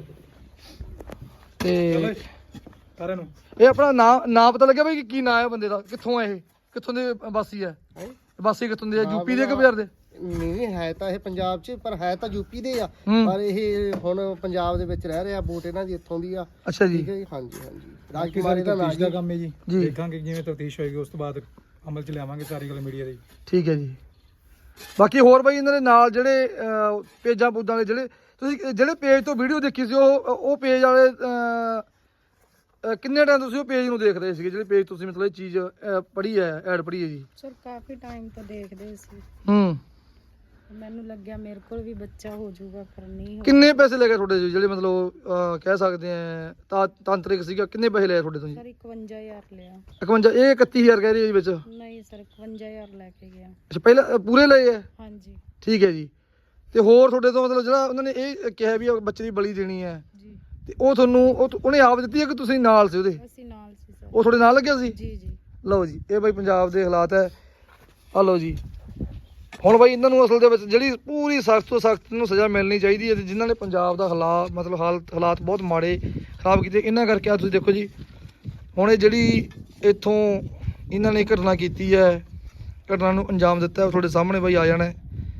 ਤੇ
ਸਾਰਿਆਂ ਨੂੰ
ਇਹ ਆਪਣਾ ਨਾਂ ਨਾਂ ਪਤਾ ਲੱਗਿਆ ਬਾਈ ਕਿ ਕੀ ਨਾਂ ਹੈ ਬੰਦੇ ਦਾ? ਕਿੱਥੋਂ ਹੈ ਇਹ? ਕਿੱਥੋਂ ਦੇ ਵਾਸੀ ਹੈ? ਵਾਸੀ ਕਿੱਥੋਂ ਦੇ ਆ? ਯੂਪੀ ਦੇ ਕਿ ਬਿਹਾਰ ਦੇ?
ਨਹੀਂ ਹੈ ਤਾਂ ਇਹ ਪੰਜਾਬ 'ਚ, ਪਰ ਹੈ ਤਾਂ ਯੂਪੀ ਦੇ ਆ,
ਹੂੰ।
ਪਰ ਇਹ ਹੁਣ ਪੰਜਾਬ ਦੇ ਵਿੱਚ ਰਹਿ ਰਿਹਾ। ਵੋਟ ਇਹਨਾਂ ਦੀ ਇੱਥੋਂ ਦੀ ਆ।
ਅੱਛਾ ਜੀ।
ਠੀਕ ਹੈ ਜੀ। ਹਾਂਜੀ ਹਾਂਜੀ।
ਬਾਕੀ
ਰਾਜਕੁਮਾਰੀ ਦਾ ਨਾਂ
ਤਫਤੀਸ਼ ਦਾ
ਜੀ।
ਕੰਮ ਹੈ ਜੀ।
ਜੀ।
ਦੇਖਾਂਗੇ ਜਿਵੇਂ ਤਫਤੀਸ਼ ਹੋਏਗੀ ਉਸ ਤੋਂ ਬਾਅਦ ਅਮਲ ਚ ਲਿਆਵਾਂਗੇ ਸਾਰੀ ਗੱਲ ਮੀਡੀਆ ਦੀ।
ਠੀਕ ਹੈ ਜੀ। ਬਾਕੀ ਹੋਰ ਬਾਈ ਇਹਨਾਂ ਦੇ ਨਾਲ ਜਿਹੜੇ ਅਹ, ਪੇਜਾਂ ਪੂਜਾਂ ਦੇ ਜਿਹੜੇ ਤੁਸੀਂ ਜਿਹੜੇ ਪੇਜ ਤੋਂ ਵੀਡੀਓ ਦੇਖੀ ਸੀ, ਉਹ ਉਹ ਪੇਜ ਵਾਲੇ ਅਹ, ਅਹ, ਕਿੰਨੇ ਟਾਈਮ ਤੁਸੀਂ ਉਹ ਪੇਜ ਨੂੰ ਦੇਖ ਰਹੇ ਸੀਗੇ? ਜਿਹੜੇ ਪੇਜ ਤੁਸੀਂ ਮਤਲਬ ਇਹ ਚੀਜ਼ ਪੜ੍ਹੀ ਹੈ, ਐਡ ਪੜ੍ਹੀ ਹੈ ਜੀ?
ਸਰ ਕਾਫੀ ਟਾਈਮ ਤੋਂ ਦੇਖਦੇ ਸੀ।
ਹੂੰ।
ਮੈਨੂੰ ਲੱਗਿਆ ਮੇਰੇ ਕੋਲ ਵੀ ਬੱਚਾ ਹੋ ਜਾਊਗਾ, ਪਰ ਨਹੀਂ ਹੋ
ਕਿੰਨੇ ਪੈਸੇ ਲੈ ਗਏ ਤੁਹਾਡੇ ਜੀ ਜਿਹੜੇ ਮਤਲਬ ਅਹ, ਕਹਿ ਸਕਦੇ ਆ ਤਾਂ ਤਾਂਤਰਿਕ ਸੀਗਾ, ਕਿੰਨੇ ਪੈਸੇ ਲਏ ਤੁਹਾਡੇ ਤੋਂ ਜੀ?
ਸਰ ਇਕਵੰਜਾ ਹਜ਼ਾਰ ਲਿਆ।
ਇਕਵੰਜਾ, ਇਹ ਇਕੱਤੀ ਹਜ਼ਾਰ ਕਹਿ ਰਹੀ ਹੈ ਜੀ ਵਿੱਚ?
ਨਹੀਂ ਸਰ ਇਕਵੰਜਾ ਹਜ਼ਾਰ ਲੈ ਕੇ ਗਿਆ।
ਅੱਛਾ ਪਹਿਲਾਂ ਅ, ਪੂਰੇ ਲਏ ਹੈ?
ਹਾਂਜੀ
ਠੀਕ ਹੈ ਜੀ। ਤੇ ਹੋਰ ਤੁਹਾਡੇ ਤੋਂ ਮਤਲਬ ਜਿਹੜਾ ਉਹਨਾਂ ਨੇ ਇਹ ਕਿਹਾ ਵੀ ਬੱਚੇ ਦੀ ਬਲੀ ਦੇਣੀ ਹੈ,
ਜੀ,
ਤੇ ਉਹ ਤੁਹਾਨੂੰ ਉਹ ਉਹਨੇ ਆਪ ਦਿੱਤੀ ਹੈ ਕਿ ਤੁਸੀਂ ਨਾਲ ਸੀ ਉਹਦੇ?
ਅਸੀਂ ਨਾਲ ਸੀ ਸਰ।
ਉਹ ਤੁਹਾਡੇ ਨਾਲ ਲੱਗਿਆ ਸੀ?
ਜੀ ਜੀ।
ਲਓ ਜੀ, ਇਹ ਬਾਈ ਪੰਜਾਬ ਦੇ ਹਾਲਾਤ ਹੈ। ਆ ਲਓ ਜੀ, ਹੁਣ ਬਾਈ ਇਹਨਾਂ ਨੂੰ ਅਸਲ ਦੇ ਵਿੱਚ ਜਿਹੜੀ ਪੂਰੀ ਸਖਤ ਤੋਂ ਸਖਤ ਨੂੰ ਸਜ਼ਾ ਮਿਲਣੀ ਚਾਹੀਦੀ ਹੈ, ਤੇ ਜਿਨ੍ਹਾਂ ਨੇ ਪੰਜਾਬ ਦਾ ਹਾਲਾਤ ਮਤਲਬ ਹਾਲਤ ਹਾਲਾਤ ਬਹੁਤ ਮਾੜੇ ਖਰਾਬ ਕੀਤੇ, ਇਹਨਾਂ ਕਰਕੇ ਆ ਤੁਸੀਂ ਦੇਖੋ ਜੀ, ਹੁਣ ਇਹ ਜਿਹੜੀ ਇੱਥੋਂ ਇਹਨਾਂ ਨੇ ਘਟਨਾ ਕੀਤੀ ਹੈ, ਘਟਨਾ ਨੂੰ ਅੰਜਾਮ ਦਿੱਤਾ, ਤੁਹਾਡੇ ਸਾਹਮਣੇ ਬਾਈ ਆ ਜਾਣਾ ਹੈ।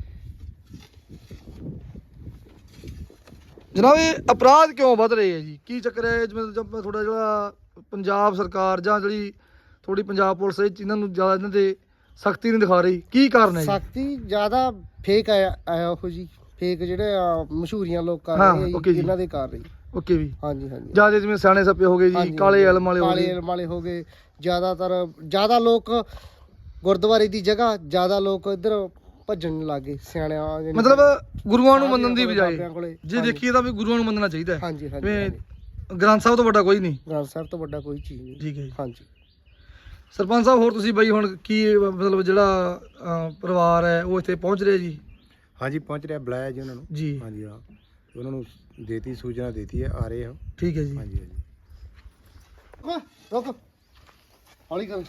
ਜਨਾਬ ਇਹ ਅਪਰਾਧ ਕਿਉਂ ਵੱਧ ਰਹੇ ਹੈ ਜੀ, ਕੀ ਚੱਕਰ ਹੈ? ਜਿਵੇਂ ਜਦ ਤੁਹਾਡਾ ਜਿਹੜਾ ਪੰਜਾਬ ਸਰਕਾਰ ਜਾਂ ਜਿਹੜੀ ਥੋੜੀ ਪੰਜਾਬ ਪੁਲਿਸ ਇਹ ਇਹਨਾਂ ਨੂੰ ਜ਼ਿਆਦਾ ਇਹਨਾਂ ਦੇ ਸਖਤੀ ਨਹੀਂ ਦਿਖਾ ਰਹੀ, ਕੀ ਕਾਰਨ ਹੈ ਜੀ?
ਸਖਤੀ ਜ਼ਿਆਦਾ ਫੇਕ ਆਇਆ ਆਇਆ ਉਹ ਜੀ, ਫੇਕ ਜਿਹੜੇ ਆ, ਮਸ਼ਹੂਰੀਆਂ ਲੋਕ ਕਰ
ਹਾਂ,
ਰਹੇ ਆ
okay
ਜੀ,
ਜੀ।
ਇਹਨਾਂ ਦੇ ਕਰ ਰਹੀ।
ਓਕੇ ਵੀ,
ਹਾਂਜੀ ਹਾਂਜੀ
ਜਿਆਦਾ ਜਿਵੇਂ ਸਿਆਣੇ ਸੱਪੇ ਹੋ ਗਏ ਜੀ,
ਹਾਂਜੀ,
ਕਾਲੇ ਇਲਮ ਵਾਲੇ ਹੋ
ਕਾਲੇ
ਗਏ।
ਇਲਮ ਵਾਲੇ ਹੋ ਗਏ, ਜ਼ਿਆਦਾਤਰ ਜ਼ਿਆਦਾ ਲੋਕ ਗੁਰਦੁਆਰੇ ਦੀ ਜਗ੍ਹਾ ਜ਼ਿਆਦਾ ਲੋਕ ਇੱਧਰ ਭੱਜਣ ਲੱਗੇ ਸਿਆਣਿਆਂ ਜਾਣੀ
ਮਤਲਬ ਗੁਰੂਆਂ ਨੂੰ ਮੰਨਣ ਦੀ
ਬਾਬਿਆਂ
ਬਜਾਏ
ਕੋਲੇ।
ਜੇ ਦੇਖੀਏ ਤਾਂ ਵੀ ਗੁਰੂਆਂ ਨੂੰ ਮੰਨਣਾ ਚਾਹੀਦਾ ਹੈ।
ਹਾਂਜੀ ਹਾਂਜੀ
ਜਿਵੇਂ
ਹਾਂਜੀ।
ਗ੍ਰੰਥ ਸਾਹਿਬ ਤੋਂ ਵੱਡਾ ਕੋਈ ਨਹੀਂ।
ਗ੍ਰੰਥ ਸਾਹਿਬ ਤੋਂ ਵੱਡਾ ਕੋਈ ਚੀਜ਼ ਨਹੀਂ।
ਠੀਕ ਹੈ ਜੀ।
ਹਾਂਜੀ
ਸਰਪੰਚ ਸਾਹਿਬ ਹੋਰ ਤੁਸੀਂ ਬਾਈ ਹੁਣ ਕੀ ਮਤਲਬ ਜਿਹੜਾ ਅਹ, ਪਰਿਵਾਰ ਹੈ ਉਹ ਇੱਥੇ ਪਹੁੰਚ ਰਿਹਾ ਜੀ?
ਹਾਂਜੀ ਪਹੁੰਚ ਰਿਹਾ, ਬੁਲਾਇਆ ਜੀ ਉਹਨਾਂ ਨੂੰ।
ਜੀ
ਹਾਂਜੀ ਹਾਂ, ਉਹਨਾਂ ਨੂੰ ਦੇਤੀ ਸੂਚਨਾ ਦੇਤੀ ਹੈ, ਆ ਰਹੇ ਆ।
ਠੀਕ ਹੈ ਜੀ।
ਹਾਂਜੀ ਹਾਂਜੀ
ਓਏ, ਰੁਕ ਹੌਲੀ ਕਰ।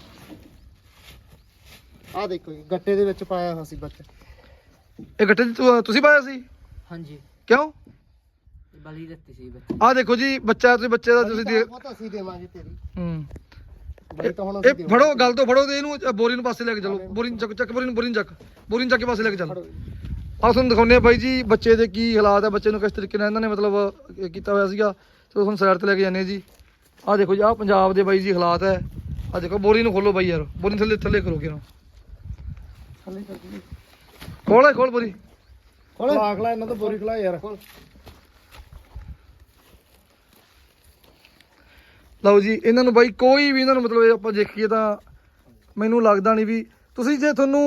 ਆ ਦੇਖੋ ਜੀ, ਗੱਟੇ ਦੇ ਵਿੱਚ ਪਾਇਆ ਹੋਇਆ ਸੀ ਬੱਚਾ।
ਇਹ ਗੱਟੇ 'ਚ ਤੁ- ਤੁਸੀਂ ਪਾਇਆ ਸੀ?
ਹਾਂਜੀ
ਕਿਉਂ?
ਬਲੀ ਦਿੱਤੀ ਸੀ ਬੱਚੇ।
ਆਹ ਦੇਖੋ ਜੀ, ਬੱਚਾ ਤੁਸੀਂ ਬੱਚੇ ਦਾ ਤੁਸੀਂ ਦੇ
ਬਹੁਤ ਅਸੀਂ ਦੇਵਾਂਗੇ ਤੇਰੀ
ਹੂੰ
ਬਈ ਤਾਂ ਹੁਣ
ਇਹ
ਅਸੀਂ ਦੇਵਾਂਗੇ।
ਫੜੋ, ਗੱਲ ਤੋਂ ਫੜੋ ਤੇ ਇਹਨੂੰ ਅ, ਬੋਰੀ ਨੂੰ ਪਾਸੇ ਲੈ ਕੇ ਚਲੋ। ਬੋਰੀ ਨੂੰ ਚੱਕ ਚੱਕ ਬੋਰੀ ਨੂੰ ਬੋਰੀ ਨੂੰ ਚੱਕ ਬੋਰੀ ਨੂੰ ਚੱਕ ਕੇ ਪਾਸੇ ਲੈ ਕੇ ਚੱਲ।
ਫੜੋ।
ਆਹ ਤੁਹਾਨੂੰ ਦਿਖਾਉਂਦੇ ਆ ਬਾਈ ਜੀ ਬੱਚੇ ਦੇ ਕੀ ਹਾਲਾਤ ਹੈ, ਬੱਚੇ ਨੂੰ ਕਿਸ ਤਰੀਕੇ ਨਾਲ ਇਹਨਾਂ ਨੇ ਮਤਲਬ ਇਹ ਕੀਤਾ ਹੋਇਆ ਸੀਗਾ। ਚਲੋ ਤੁਹਾਨੂੰ ਸਾਈਡ ਤੇ ਲੈ ਕੇ ਜਾਂਦੇ ਹਾਂ ਜੀ। ਆਹ ਦੇਖੋ ਜੀ, ਆਹ ਪੰਜਾਬ ਦੇ ਬਾਈ ਜੀ ਹਾਲਾਤ ਹੈ। ਆਹ ਦੇਖੋ, ਬੋਰੀ ਨੂੰ ਖੋਲੋ ਬਾਈ ਯਾਰ, ਬੋਰੀ ਨੂੰ ਥੱਲੇ ਥੱਲੇ ਕਰੋ ਕਿਹਨੂੰ
ਥੱਲੇ ਕਰ ਦੇ।
ਖੋਲ ਖੋਲ ਬੋਰੀ।
ਖਲਾ ਖਲਾ ਇਹਨਾਂ ਤੋਂ ਬੋਰੀ ਖਲਾ ਯਾਰ।
ਲਓ ਜੀ, ਇਹਨਾਂ ਨੂੰ ਬਾਈ ਕੋਈ ਵੀ ਇਹਨਾਂ ਨੂੰ ਮਤਲਬ ਇਹ ਆਪਾਂ ਦੇਖੀਏ ਤਾਂ ਮੈਨੂੰ ਲੱਗਦਾ ਨਹੀਂ ਵੀ ਤੁਸੀਂ ਜੇ ਤੁਹਾਨੂੰ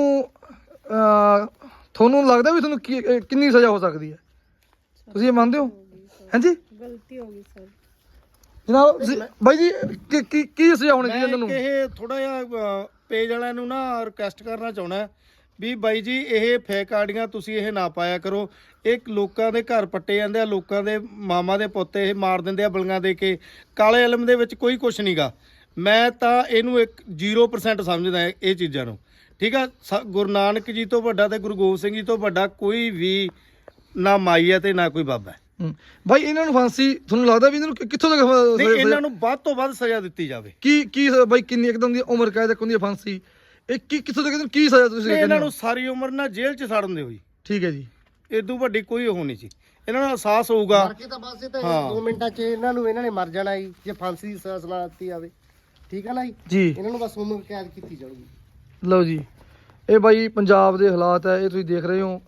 ਅਹ, ਤੁਹਾਨੂੰ ਲੱਗਦਾ ਵੀ ਤੁਹਾਨੂੰ ਕੀ ਇਹ ਕਿੰਨੀ ਸਜ਼ਾ ਹੋ ਸਕਦੀ ਹੈ, ਤੁਸੀਂ ਇਹ ਮੰਨਦੇ ਹੋ? ਹਾਂਜੀ
ਗਲਤੀ ਹੋ ਗਈ ਸਰ।
ਜਨਾਬ ਤੁਸੀਂ- ਬਾਈ ਜੀ ਕੀ ਕੀ ਕੀ ਸਜ਼ਾ ਹੋਣੀ ਚਾਹੀਦੀ ਇਹਨਾਂ ਨੂੰ?
ਮੈਂ ਇਹ ਥੋੜਾ ਜਿਹਾ ਪੇਜ ਵਾਲਿਆਂ ਨੂੰ ਨਾ ਰਿਕਵੈਸਟ ਕਰਨਾ ਚਾਹੁੰਦਾ ਵੀ ਬਾਈ ਜੀ ਇਹ ਫੇਕ ਆਡੀਆਂ ਤੁਸੀਂ ਇਹ ਨਾ ਪਾਇਆ ਕਰੋ। ਇਹ ਲੋਕਾਂ ਦੇ ਘਰ ਪੱਟੇ ਜਾਂਦੇ ਆ, ਲੋਕਾਂ ਦੇ ਮਾਮਾ ਦੇ ਪੁੱਤ ਇਹ ਮਾਰ ਦਿੰਦੇ ਆ ਬਲੀਆਂ ਦੇ ਕੇ। ਕਾਲੇ ਇਲਮ ਦੇ ਵਿੱਚ ਕੋਈ ਕੁਛ ਨਹੀਂਗਾ। ਮੈਂ ਤਾਂ ਇਹਨੂੰ ਇੱਕ ਜ਼ੀਰੋ ਪਰਸੈਂਟ ਸਮਝਦਾ ਇਹ ਚੀਜ਼ਾਂ ਨੂੰ। ਠੀਕ ਆ, ਸ- ਗੁਰੂ ਨਾਨਕ ਜੀ ਤੋਂ ਵੱਡਾ ਤੇ ਗੁਰੂ ਗੋਬਿੰਦ ਸਿੰਘ ਜੀ ਤੋਂ ਵੱਡਾ ਕੋਈ ਵੀ ਨਾ ਮਾਈ ਹੈ ਤੇ ਨਾ ਕੋਈ ਬਾਬਾ ਹੈ।
ਹੂੰ। ਬਾਈ ਇਹਨਾਂ ਨੂੰ ਫਾਂਸੀ ਤੁਹਾਨੂੰ ਲੱਗਦਾ ਵੀ ਇਹਨਾਂ ਨੂੰ ਕਿ- ਕਿੱਥੋਂ ਤੱਕ ਫ-
ਨਹੀਂ,
ਸਜ਼ਾ-
ਇਹਨਾਂ ਨੂੰ ਵੱਧ ਤੋਂ ਵੱਧ ਸਜ਼ਾ ਦਿੱਤੀ ਜਾਵੇ।
ਕੀ ਕੀ ਸ- ਬਾਈ ਕਿੰਨੀ ਇੱਕਦਮ ਦੀ ਉਮਰ ਕੈਦ ਹੁੰਦੀ ਹੈ ਫਾਂਸੀ, ਇਹ ਕੀ ਕਿੱਥੋਂ ਤੱਕ ਇਹਨਾਂ ਨੂੰ ਕੀ ਸਜ਼ਾ ਤੁਸੀਂ
ਤੇ
ਕਹਿੰਦੇ
ਇਹਨਾਂ
ਹੋ?
ਨੂੰ ਸਾਰੀ ਉਮਰ ਨਾ ਜੇਲ੍ਹ 'ਚ ਸੜਨ ਦਿਓ ਜੀ।
ਠੀਕ ਹੈ ਜੀ।
ਇਦੋਂ ਵੱਡੀ ਕੋਈ ਉਹ ਨਹੀਂ ਸੀ। ਇਹਨਾਂ ਨੂੰ ਅਹਿਸਾਸ ਹੋਊਗਾ।
ਮਾਰ ਕੇ ਤਾਂ ਬਸ ਇਹ ਤਾਂ
ਹਾਂ।
ਦੋ ਮਿੰਟਾਂ 'ਚ ਇਹਨਾਂ ਨੂੰ ਇਹਨਾਂ ਨੇ ਮਰ ਜਾਣਾ ਜੀ, ਜੇ ਫਾਂਸੀ ਦੀ ਸਜ਼ਾ ਸੁਣਾ ਦਿੱਤੀ ਜਾਵੇ। ਠੀਕ ਹੈ ਨਾ ਜੀ?
ਜੀ
ਇਹਨਾਂ ਨੂੰ ਬਸ ਉਮਰ ਕੈਦ ਕੀਤੀ ਜਾਊਗੀ।
ਲਓ ਜੀ, ਇਹ ਬਾਈ ਪੰਜਾਬ ਦੇ ਹਾਲਾਤ ਹੈ, ਇਹ ਤੁਸੀਂ ਦੇਖ ਰਹੇ ਹੋ।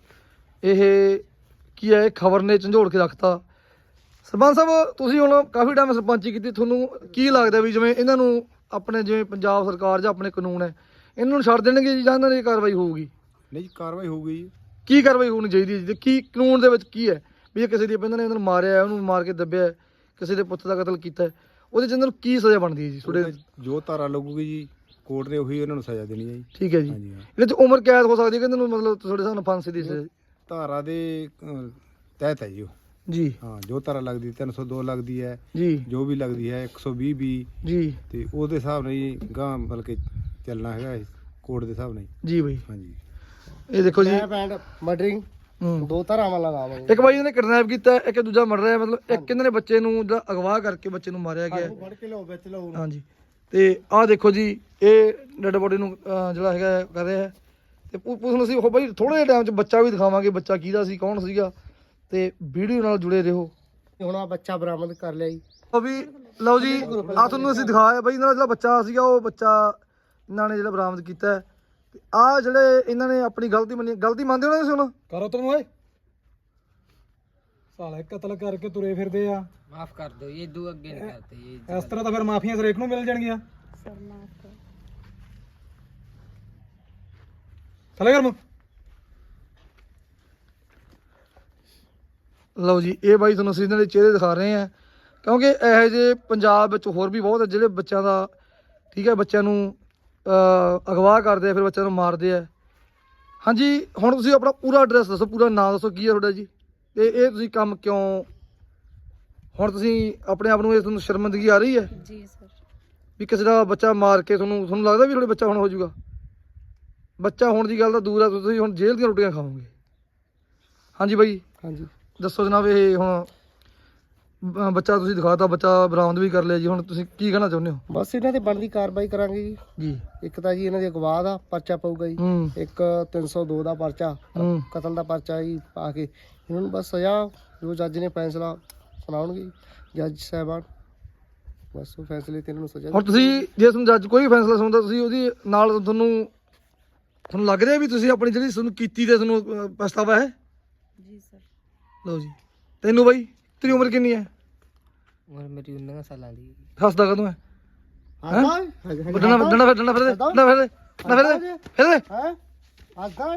ਇਹ ਕੀ ਹੈ, ਇਹ ਖਬਰ ਨੇ ਝੰਜੋੜ ਕੇ ਰੱਖਤਾ। ਸਰਪੰਚ ਸਾਹਿਬ ਤੁਸੀਂ ਹੁਣ ਕਾਫੀ ਟਾਈਮ ਸਰਪੰਚੀ ਕੀਤੀ, ਤੁਹਾਨੂੰ ਕੀ ਲੱਗਦਾ ਵੀ ਜਿਵੇਂ ਇਹਨਾਂ ਨੂੰ ਆਪਣੇ ਜਿਵੇਂ ਪੰਜਾਬ ਸਰਕਾਰ ਜਾਂ ਆਪਣੇ ਕਾਨੂੰਨ ਹੈ ਇਹਨਾਂ ਨੂੰ ਛੱਡ ਦੇਣਗੇ ਜੀ ਜਾਂ ਇਹਨਾਂ ਦੀ ਕਾਰਵਾਈ ਹੋਊਗੀ?
ਨਹੀਂ ਜੀ, ਕਾਰਵਾਈ ਹੋਊਗੀ ਜੀ।
ਕੀ ਕਾਰਵਾਈ ਹੋਣੀ ਚਾਹੀਦੀ ਹੈ ਜੀ? ਕੀ ਕਾਨੂੰਨ ਦੇ ਵਿੱਚ ਕੀ ਹੈ ਵੀ ਜੇ ਕਿਸੇ ਦੀ ਇਹਨਾਂ ਨੇ ਇਹਨਾਂ ਨੂੰ ਮਾਰਿਆ ਹੈ, ਉਹਨੂੰ ਮਾਰ ਕੇ ਦੱਬਿਆ ਹੈ, ਕਿਸੇ ਦੇ ਪੁੱਤ ਦਾ ਕਤਲ ਕੀਤਾ ਹੈ, ਉਹਦੇ 'ਚ ਇਹਨਾਂ ਨੂੰ ਕੀ ਸਜ਼ਾ ਬਣਦੀ ਹੈ ਜੀ ਤੁਹਾਡੇ?
ਜੋ ਧਾਰਾ ਲੱਗੂਗੀ ਜੀ ਕੋਰਟ ਨੇ ਉਹੀ ਇਹਨਾਂ ਨੂੰ ਸਜ਼ਾ ਦੇਣੀ ਹੈ ਜੀ।
ਠੀਕ ਹੈ ਜੀ।
ਹਾਂਜੀ ਹਾਂ,
ਇਹਦੇ 'ਚ ਉਮਰ ਕੈਦ ਹੋ ਸਕਦੀ ਹੈ ਕਿ ਇਹਨਾਂ ਨੂੰ ਮਤਲਬ ਤੁਹਾਡੇ ਹਿਸਾਬ ਨਾਲ ਫਾਂਸੀ ਦੀ ਸਜ਼ਾ?
ਧਾਰਾ ਦੇ ਅਹ, ਤਹਿਤ ਹੈ ਜੀ ਉਹ।
ਜੀ
ਹਾਂ, ਜੋ ਧਾਰਾ ਲੱਗਦੀ ਤਿੰਨ ਸੌ ਦੋ ਲੱਗਦੀ ਹੈ,
ਜੀ
ਜੋ ਵੀ ਲੱਗਦੀ ਹੈ ਇੱਕ ਸੌ ਵੀਹ ਵੀ,
ਜੀ
ਤੇ ਉਹਦੇ ਹਿਸਾਬ ਨਾਲ ਜੀ ਗਾਂ ਬਲਕਿ ਚੱਲਣਾ ਹੈਗਾ ਕੋਰਟ ਦੇ ਹਿਸਾਬ ਨਾਲ ਜੀ।
ਜੀ ਬਾਈ,
ਹਾਂਜੀ
ਇਹ ਦੇਖੋ ਜੀ।
ਰੈਪ ਐਂਡ ਮਰਡਰਿੰਗ
ਹੂੰ।
ਦੋ ਧਾਰਾਵਾਂ ਲਗਾਵਾਂਗੇ।
ਇੱਕ ਬਾਈ ਇਹਨੇ ਕਿਡਨੈਪ ਕੀਤਾ, ਇੱਕ ਦੂਜਾ ਮਰ ਰਿਹਾ, ਮਤਲਬ ਇੱਕ ਇਹਨਾਂ ਨੇ ਬੱਚੇ ਨੂੰ ਜਿਹੜਾ ਅਗਵਾ ਕਰਕੇ ਬੱਚੇ ਨੂੰ ਮਾਰਿਆ ਗਿਆ ਹੈ।
ਫੜ ਕੇ ਲਿਆਓ ਵਿੱਚ ਲਿਆਓ।
ਹਾਂਜੀ, ਤੇ ਆਹ ਦੇਖੋ ਜੀ, ਇਹ ਡੈਡ ਬੋਡੀ ਨੂੰ ਅਹ, ਜਿਹੜਾ ਹੈਗਾ ਹੈ, ਕਰ ਰਿਹਾ ਹੈ। ਤੇ ਪੁ- ਪੁਲਿਸ ਨੂੰ ਅਸੀਂ ਉਹ ਬਾਈ ਥੋੜੇ ਜਿਹੇ ਟਾਈਮ 'ਚ ਬੱਚਾ ਵੀ ਦਿਖਾਵਾਂਗੇ, ਬੱਚਾ ਕਿਹਦਾ ਸੀ, ਕੌਣ ਸੀਗਾ, ਤੇ ਵੀਡੀਓ ਨਾਲ ਜੁੜੇ ਰਹੋ।
ਹੁਣ ਆ ਬੱਚਾ ਬਰਾਮਦ ਕਰ ਲਿਆ ਜੀ।
ਉਹ ਵੀ ਲਓ ਜੀ, ਆਹ ਤੁਹਾਨੂੰ ਅਸੀਂ ਦਿਖਾਇਆ ਬਾਈ ਇਹਨਾਂ ਦਾ ਜਿਹੜਾ ਬੱਚਾ ਸੀਗਾ, ਉਹ ਬੱਚਾ ਇਹਨਾਂ ਨੇ ਜਿਹੜਾ ਬਰਾਮਦ ਕੀਤਾ ਹੈ। ਤੇ ਆਹ ਜਿਹੜੇ ਇਹਨਾਂ ਨੇ ਆਪਣੀ ਗਲਤੀ ਮੰਨੀ, ਗਲਤੀ ਮੰਨਦੇ ਹੋ ਨਾ ਤੁਸੀਂ ਹੁਣ?
ਕਰੋ ਤੈਨੂੰ ਓਏ ਸਾਲੇ ਕਤਲ ਕਰਕੇ ਤੁਰੇ ਫਿਰਦੇ ਆ।
ਮਾਫ ਕਰ ਦਿਓ, ਇਹ ਦੂ ਅੱਗੇ ਨਹੀਂ ਕਰਤੇ ਇਹ।
ਇਸ ਤਰ੍ਹਾਂ ਤਾਂ ਫਿਰ ਮਾਫੀਆਂ ਹਰੇਕ ਨੂੰ ਮਿਲ ਜਾਣਗੀਆਂ।
ਸਰ ਮਾਫ ਕਰ।
ਥੱਲੇ ਕਰ ਮੂੰਹ।
ਲਓ ਜੀ, ਇਹ ਬਾਈ ਤੁਹਾਨੂੰ ਅਸੀਂ ਇਹਨਾਂ ਦੇ ਚਿਹਰੇ ਦਿਖਾ ਰਹੇ ਹਾਂ, ਕਿਉਂਕਿ ਇਹੋ ਜਿਹੇ ਪੰਜਾਬ ਵਿੱਚ ਹੋਰ ਵੀ ਬਹੁਤ ਆ ਜਿਹੜੇ ਬੱਚਿਆਂ ਦਾ, ਠੀਕ ਹੈ, ਬੱਚਿਆਂ ਨੂੰ ਅਹ, ਅਗਵਾ ਕਰਦੇ ਆ, ਫਿਰ ਬੱਚਿਆਂ ਨੂੰ ਮਾਰਦੇ ਆ। ਹਾਂਜੀ, ਹੁਣ ਤੁਸੀਂ ਆਪਣਾ ਪੂਰਾ ਐਡਰੈਸ ਦੱਸੋ, ਪੂਰਾ ਨਾਮ ਦੱਸੋ, ਕੀ ਹੈ ਤੁਹਾਡਾ ਜੀ, ਤੇ ਇਹ ਤੁਸੀਂ ਕੰਮ ਕਿਉਂ, ਹੁਣ ਤੁਸੀਂ ਆਪਣੇ ਆਪ ਨੂੰ, ਇਹ ਤੁਹਾਨੂੰ ਸ਼ਰਮਿੰਦਗੀ ਆ ਰਹੀ ਹੈ
ਜੀ ਸਰ।
ਵੀ ਕਿਸੇ ਦਾ ਬੱਚਾ ਮਾਰ ਕੇ ਤੁਹਾਨੂੰ ਤੁਹਾਨੂੰ ਲੱਗਦਾ ਵੀ ਤੁਹਾਡੇ ਬੱਚਾ ਹੁਣ ਹੋ ਜਾਊਗਾ? ਬੱਚਾ ਹੋਣ ਦੀ ਗੱਲ ਤਾਂ ਦੂਰ ਆ, ਤੁਸੀਂ ਹੁਣ ਜੇਲ੍ਹ ਦੀਆਂ ਰੋਟੀਆਂ ਖਾਓਗੇ। ਹਾਂਜੀ ਬਾਈ,
ਹਾਂਜੀ
ਦੱਸੋ ਜਨਾਬ, ਇਹ ਹੁਣ ਬ- ਬੱਚਾ ਤੁਸੀਂ ਦਿਖਾਤਾ, ਬੱਚਾ ਬਰਾਮਦ ਵੀ ਕਰ ਲਿਆ ਜੀ, ਹੁਣ ਤੁਸੀਂ ਕੀ ਕਹਿਣਾ ਚਾਹੁੰਦੇ ਹੋ?
ਬਸ ਇਹਨਾਂ ਤੇ ਬਣਦੀ ਕਾਰਵਾਈ ਕਰਾਂਗੇ ਜੀ।
ਜੀ।
ਇੱਕ ਤਾਂ ਜੀ ਇਹਨਾਂ ਦੇ ਅਗਵਾ ਦਾ ਪਰਚਾ ਪਊਗਾ ਜੀ,
ਹੂੰ
ਇੱਕ ਤਿੰਨ ਸੌ ਦੋ ਦਾ ਪਰਚਾ,
ਹੂੰ
ਕਤਲ ਦਾ ਪਰਚਾ ਜੀ ਪਾ ਕੇ ਇਹਨਾਂ ਨੂੰ ਬਸ ਸਜ਼ਾ ਜੋ ਜੱਜ ਨੇ ਫੈਸਲਾ ਸੁਣਾਉਣਗੇ ਜੱਜ ਸਾਹਿਬਾਨ, ਬਸ ਉਹ ਫੈਸਲੇ ਤੇ ਇਹਨਾਂ ਨੂੰ ਸਜ਼ਾ
ਹੁਣ ਤੁਸੀਂ ਜੇ ਤੁਹਾਨੂੰ ਜੱਜ ਕੋਈ ਫੈਸਲਾ ਸੁਣਦਾ, ਤੁਸੀਂ ਉਹਦੀ ਨਾਲ ਤੁਹਾਨੂੰ ਤੁਹਾਨੂੰ ਲੱਗ ਰਿਹਾ ਵੀ ਤੁਸੀਂ ਆਪਣੀ ਜਿਹੜੀ ਤੁਹਾਨੂੰ ਕੀਤੀ ਤੇ ਤੁਹਾਨੂੰ ਅਹ, ਪਛਤਾਵਾ ਹੈ?
ਜੀ ਸਰ।
ਲਓ ਜੀ, ਤੈਨੂੰ ਬਾਈ ਤੇਰੀ ਉਮਰ ਕਿੰਨੀ ਹੈ?
ਉਮਰ ਮੇਰੀ ਉन्नीस ਸਾਲਾਂ ਦੀ।
ਹੱਸਦਾ ਕਦੋਂ ਹੈ?
ਹਾਂ
ਡੰਡਾ ਡੰਡਾ ਫਿਰ ਡੰਡਾ ਫਿਰ ਦੇ, ਡੰਡਾ ਫਿਰ ਦੇ, ਡੰਡਾ ਫਿਰ ਦੇ, ਫਿਰ ਦੇ।
ਹੈ ਆਦਾ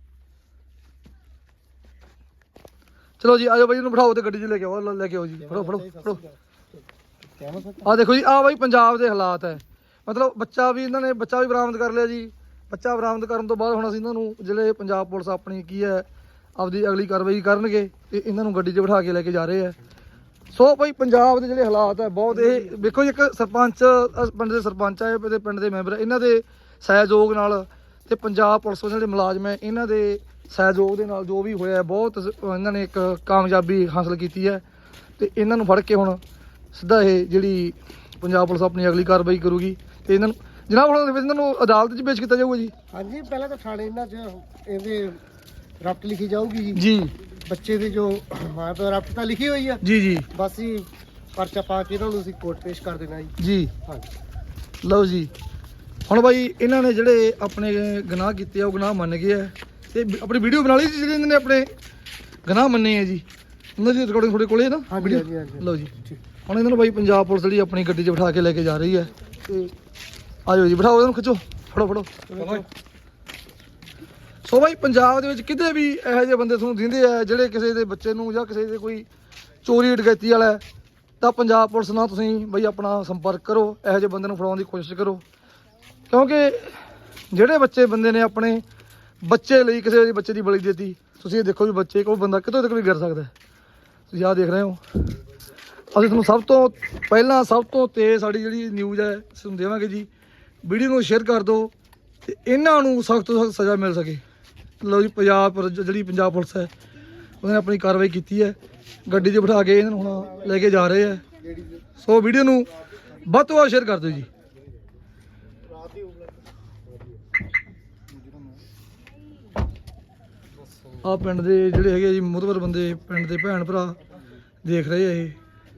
ਚਲੋ ਜੀ, ਆਜੋ ਬਾਈ, ਇਹਨੂੰ ਬਿਠਾਓ ਤੇ ਗੱਡੀ 'ਚ ਲੈ ਕੇ ਆਓ, ਲੈ ਕੇ ਆਓ ਜੀ, ਫੜੋ ਫੜੋ ਫੜੋ। ਆ ਦੇਖੋ ਜੀ, ਆ ਬਾਈ ਪੰਜਾਬ ਦੇ ਹਾਲਾਤ ਹੈ, ਮਤਲਬ ਬੱਚਾ ਵੀ ਇਹਨਾਂ ਨੇ ਬੱਚਾ ਵੀ ਬਰਾਮਦ ਕਰ ਲਿਆ ਜੀ। ਬੱਚਾ ਬਰਾਮਦ ਕਰਨ ਤੋਂ ਬਾਅਦ ਹੁਣ ਅਸੀਂ ਇਹਨਾਂ ਨੂੰ, ਜਿਹੜੇ ਪੰਜਾਬ ਪੁਲਿਸ ਆਪਣੀ ਕੀ ਹੈ ਆਪਦੀ ਅਗਲੀ ਕਾਰਵਾਈ ਕਰਨਗੇ, ਤੇ ਇਹਨਾਂ ਨੂੰ ਗੱਡੀ 'ਚ ਬਿਠਾ ਕੇ ਲੈ ਕੇ ਜਾ ਰਹੇ ਆ। ਸੋ ਭਾਈ ਪੰਜਾਬ ਦੇ ਜਿਹੜੇ ਹਾਲਾਤ ਹੈ ਬਹੁਤ, ਇਹ ਵੇਖੋ ਜੀ, ਇੱਕ ਸਰਪੰਚ, ਅਹ ਪਿੰਡ ਦੇ ਸਰਪੰਚ ਆ, ਤੇ ਪਿੰਡ ਦੇ ਮੈਂਬਰ, ਇਹਨਾਂ ਦੇ ਸਹਿਯੋਗ ਨਾਲ, ਤੇ ਪੰਜਾਬ ਪੁਲਿਸ ਦੇ ਜਿਹੜੇ ਮੁਲਾਜ਼ਮ ਹੈ ਇਹਨਾਂ ਦੇ ਸਹਿਯੋਗ ਦੇ ਨਾਲ ਜੋ ਵੀ ਹੋਇਆ, ਬਹੁਤ ਇਹਨਾਂ ਨੇ ਇੱਕ ਕਾਮਯਾਬੀ ਹਾਸਲ ਕੀਤੀ ਹੈ। ਤੇ ਇਹਨਾਂ ਨੂੰ ਫੜ ਕੇ ਹੁਣ ਸਿੱਧਾ ਇਹ ਜਿਹੜੀ ਪੰਜਾਬ ਪੁਲਿਸ ਆਪਣੀ ਅਗਲੀ ਕਾਰਵਾਈ ਕਰੂਗੀ, ਤੇ ਇਹਨਾਂ ਨੂੰ ਜਨਾਬ ਹੁਣ ਇਹਨਾਂ ਨੂੰ ਅਦਾਲਤ 'ਚ ਪੇਸ਼ ਕੀਤਾ ਜਾਊਗਾ ਜੀ।
ਹਾਂਜੀ, ਪਹਿਲਾਂ ਤਾਂ ਥਾਣੇ ਇਹਨਾਂ 'ਚ ਇਹਦੇ ਰਫਟ ਲਿਖੀ ਜਾਊਗੀ ਜੀ,
ਜੀ
ਬੱਚੇ ਦੀ ਜੋ ਮਾਂ ਪਿਓ ਰਫਟ ਤਾਂ ਲਿਖੀ ਹੋਈ ਆ,
ਜੀ ਜੀ
ਬਸ ਹੀ ਪਰਚਾ ਪਾ ਕੇ ਇਹਨਾਂ ਨੂੰ ਅਸੀਂ ਕੋਰਟ ਪੇਸ਼ ਕਰ ਦੇਣਾ ਜੀ।
ਜੀ।
ਹਾਂਜੀ
ਲਓ ਜੀ, ਹੁਣ ਬਾਈ ਇਹਨਾਂ ਨੇ ਜਿਹੜੇ ਆਪਣੇ ਗੁਨਾਹ ਕੀਤੇ ਆ, ਉਹ ਗੁਨਾਹ ਮੰਨ ਗਏ ਆ, ਤੇ ਆਪਣੀ ਵੀਡੀਓ ਬਣਾ ਲਈ ਸੀ ਜਿਹੜੇ ਇਹਨਾਂ ਨੇ ਆਪਣੇ ਗੁਨਾਹ ਮੰਨੇ ਆ ਜੀ, ਉਹਨਾਂ ਦੀ ਰਿਕਾਰਡਿੰਗ ਤੁਹਾਡੇ ਕੋਲੇ ਹੈ ਨਾ?
ਹਾਂਜੀ ਹਾਂਜੀ ਹਾਂਜੀ
ਲਓ ਜੀ, ਹੁਣ ਇਹਨਾਂ ਨੂੰ ਬਾਈ ਪੰਜਾਬ ਪੁਲਿਸ ਜਿਹੜੀ ਆਪਣੀ ਗੱਡੀ 'ਚ ਬਿਠਾ ਕੇ ਲੈ ਕੇ ਜਾ ਰਹੀ ਹੈ, ਤੇ ਆਜੋ ਜੀ, ਬਿਠਾਓ ਇਹਨਾਂ ਨੂੰ, ਖਿੱਚੋ, ਫੜੋ ਫੜੋ। ਸੋ ਬਾਈ ਪੰਜਾਬ ਦੇ ਵਿੱਚ ਕਿਤੇ ਵੀ ਇਹੋ ਜਿਹੇ ਬੰਦੇ ਤੁਹਾਨੂੰ ਦਿੰਦੇ ਆ ਜਿਹੜੇ ਕਿਸੇ ਦੇ ਬੱਚੇ ਨੂੰ ਜਾਂ ਕਿਸੇ ਦੇ ਕੋਈ ਚੋਰੀ ਡਕੈਤੀ ਵਾਲਾ ਹੈ, ਤਾਂ ਪੰਜਾਬ ਪੁਲਿਸ ਨਾਲ ਤੁਸੀਂ ਬਈ ਆਪਣਾ ਸੰਪਰਕ ਕਰੋ, ਇਹੋ ਜਿਹੇ ਬੰਦੇ ਨੂੰ ਫੜਾਉਣ ਦੀ ਕੋਸ਼ਿਸ਼ ਕਰੋ, ਕਿਉਂਕਿ ਜਿਹੜੇ ਬੱਚੇ ਬੰਦੇ ਨੇ ਆਪਣੇ ਬੱਚੇ ਲਈ ਕਿਸੇ ਦੇ ਬੱਚੇ ਦੀ ਬਲੀ ਦਿੱਤੀ, ਤੁਸੀਂ ਇਹ ਦੇਖੋ ਵੀ ਬੱਚੇ ਕੋਲ ਬੰਦਾ ਕਿਤੋਂ ਤੱਕ ਵੀ ਗਿਰ ਸਕਦਾ। ਤੁਸੀਂ ਆਹ ਦੇਖ ਰਹੇ ਹੋ, ਅਸੀਂ ਤੁਹਾਨੂੰ ਸਭ ਤੋਂ ਪਹਿਲਾਂ ਸਭ ਤੋਂ ਤੇਜ਼ ਸਾਡੀ ਜਿਹੜੀ ਨਿਊਜ਼ ਹੈ ਤੁਹਾਨੂੰ ਦੇਵਾਂਗੇ ਜੀ। ਵੀਡੀਓ ਨੂੰ ਸ਼ੇਅਰ ਕਰ ਦਿਓ ਤੇ ਇਹਨਾਂ ਨੂੰ ਸਖਤ ਤੋਂ ਸਖਤ ਸਜ਼ਾ ਮਿਲ ਸਕੇ। ਲਓ ਜੀ, ਪੰਜਾਬ ਪੁਲਿਸ ਜਿਹੜੀ ਪੰਜਾਬ ਪੁਲਿਸ ਹੈ ਉਹਨੇ ਆਪਣੀ ਕਾਰਵਾਈ ਕੀਤੀ ਹੈ, ਗੱਡੀ 'ਚ ਬਿਠਾ ਕੇ ਇਹਨਾਂ ਨੂੰ ਹੁਣ ਲੈ ਕੇ ਜਾ ਰਹੇ ਆ। ਸੋ ਵੀਡੀਓ ਨੂੰ ਵੱਧ ਤੋਂ ਵੱਧ ਸ਼ੇਅਰ ਕਰ ਦਿਓ ਜੀ। ਆ ਪਿੰਡ ਦੇ ਜਿਹੜੇ ਹੈਗੇ ਜੀ ਮੁਤਬਰ ਬੰਦੇ, ਪਿੰਡ ਦੇ ਭੈਣ ਭਰਾ ਦੇਖ ਰਹੇ ਆ ਇਹ।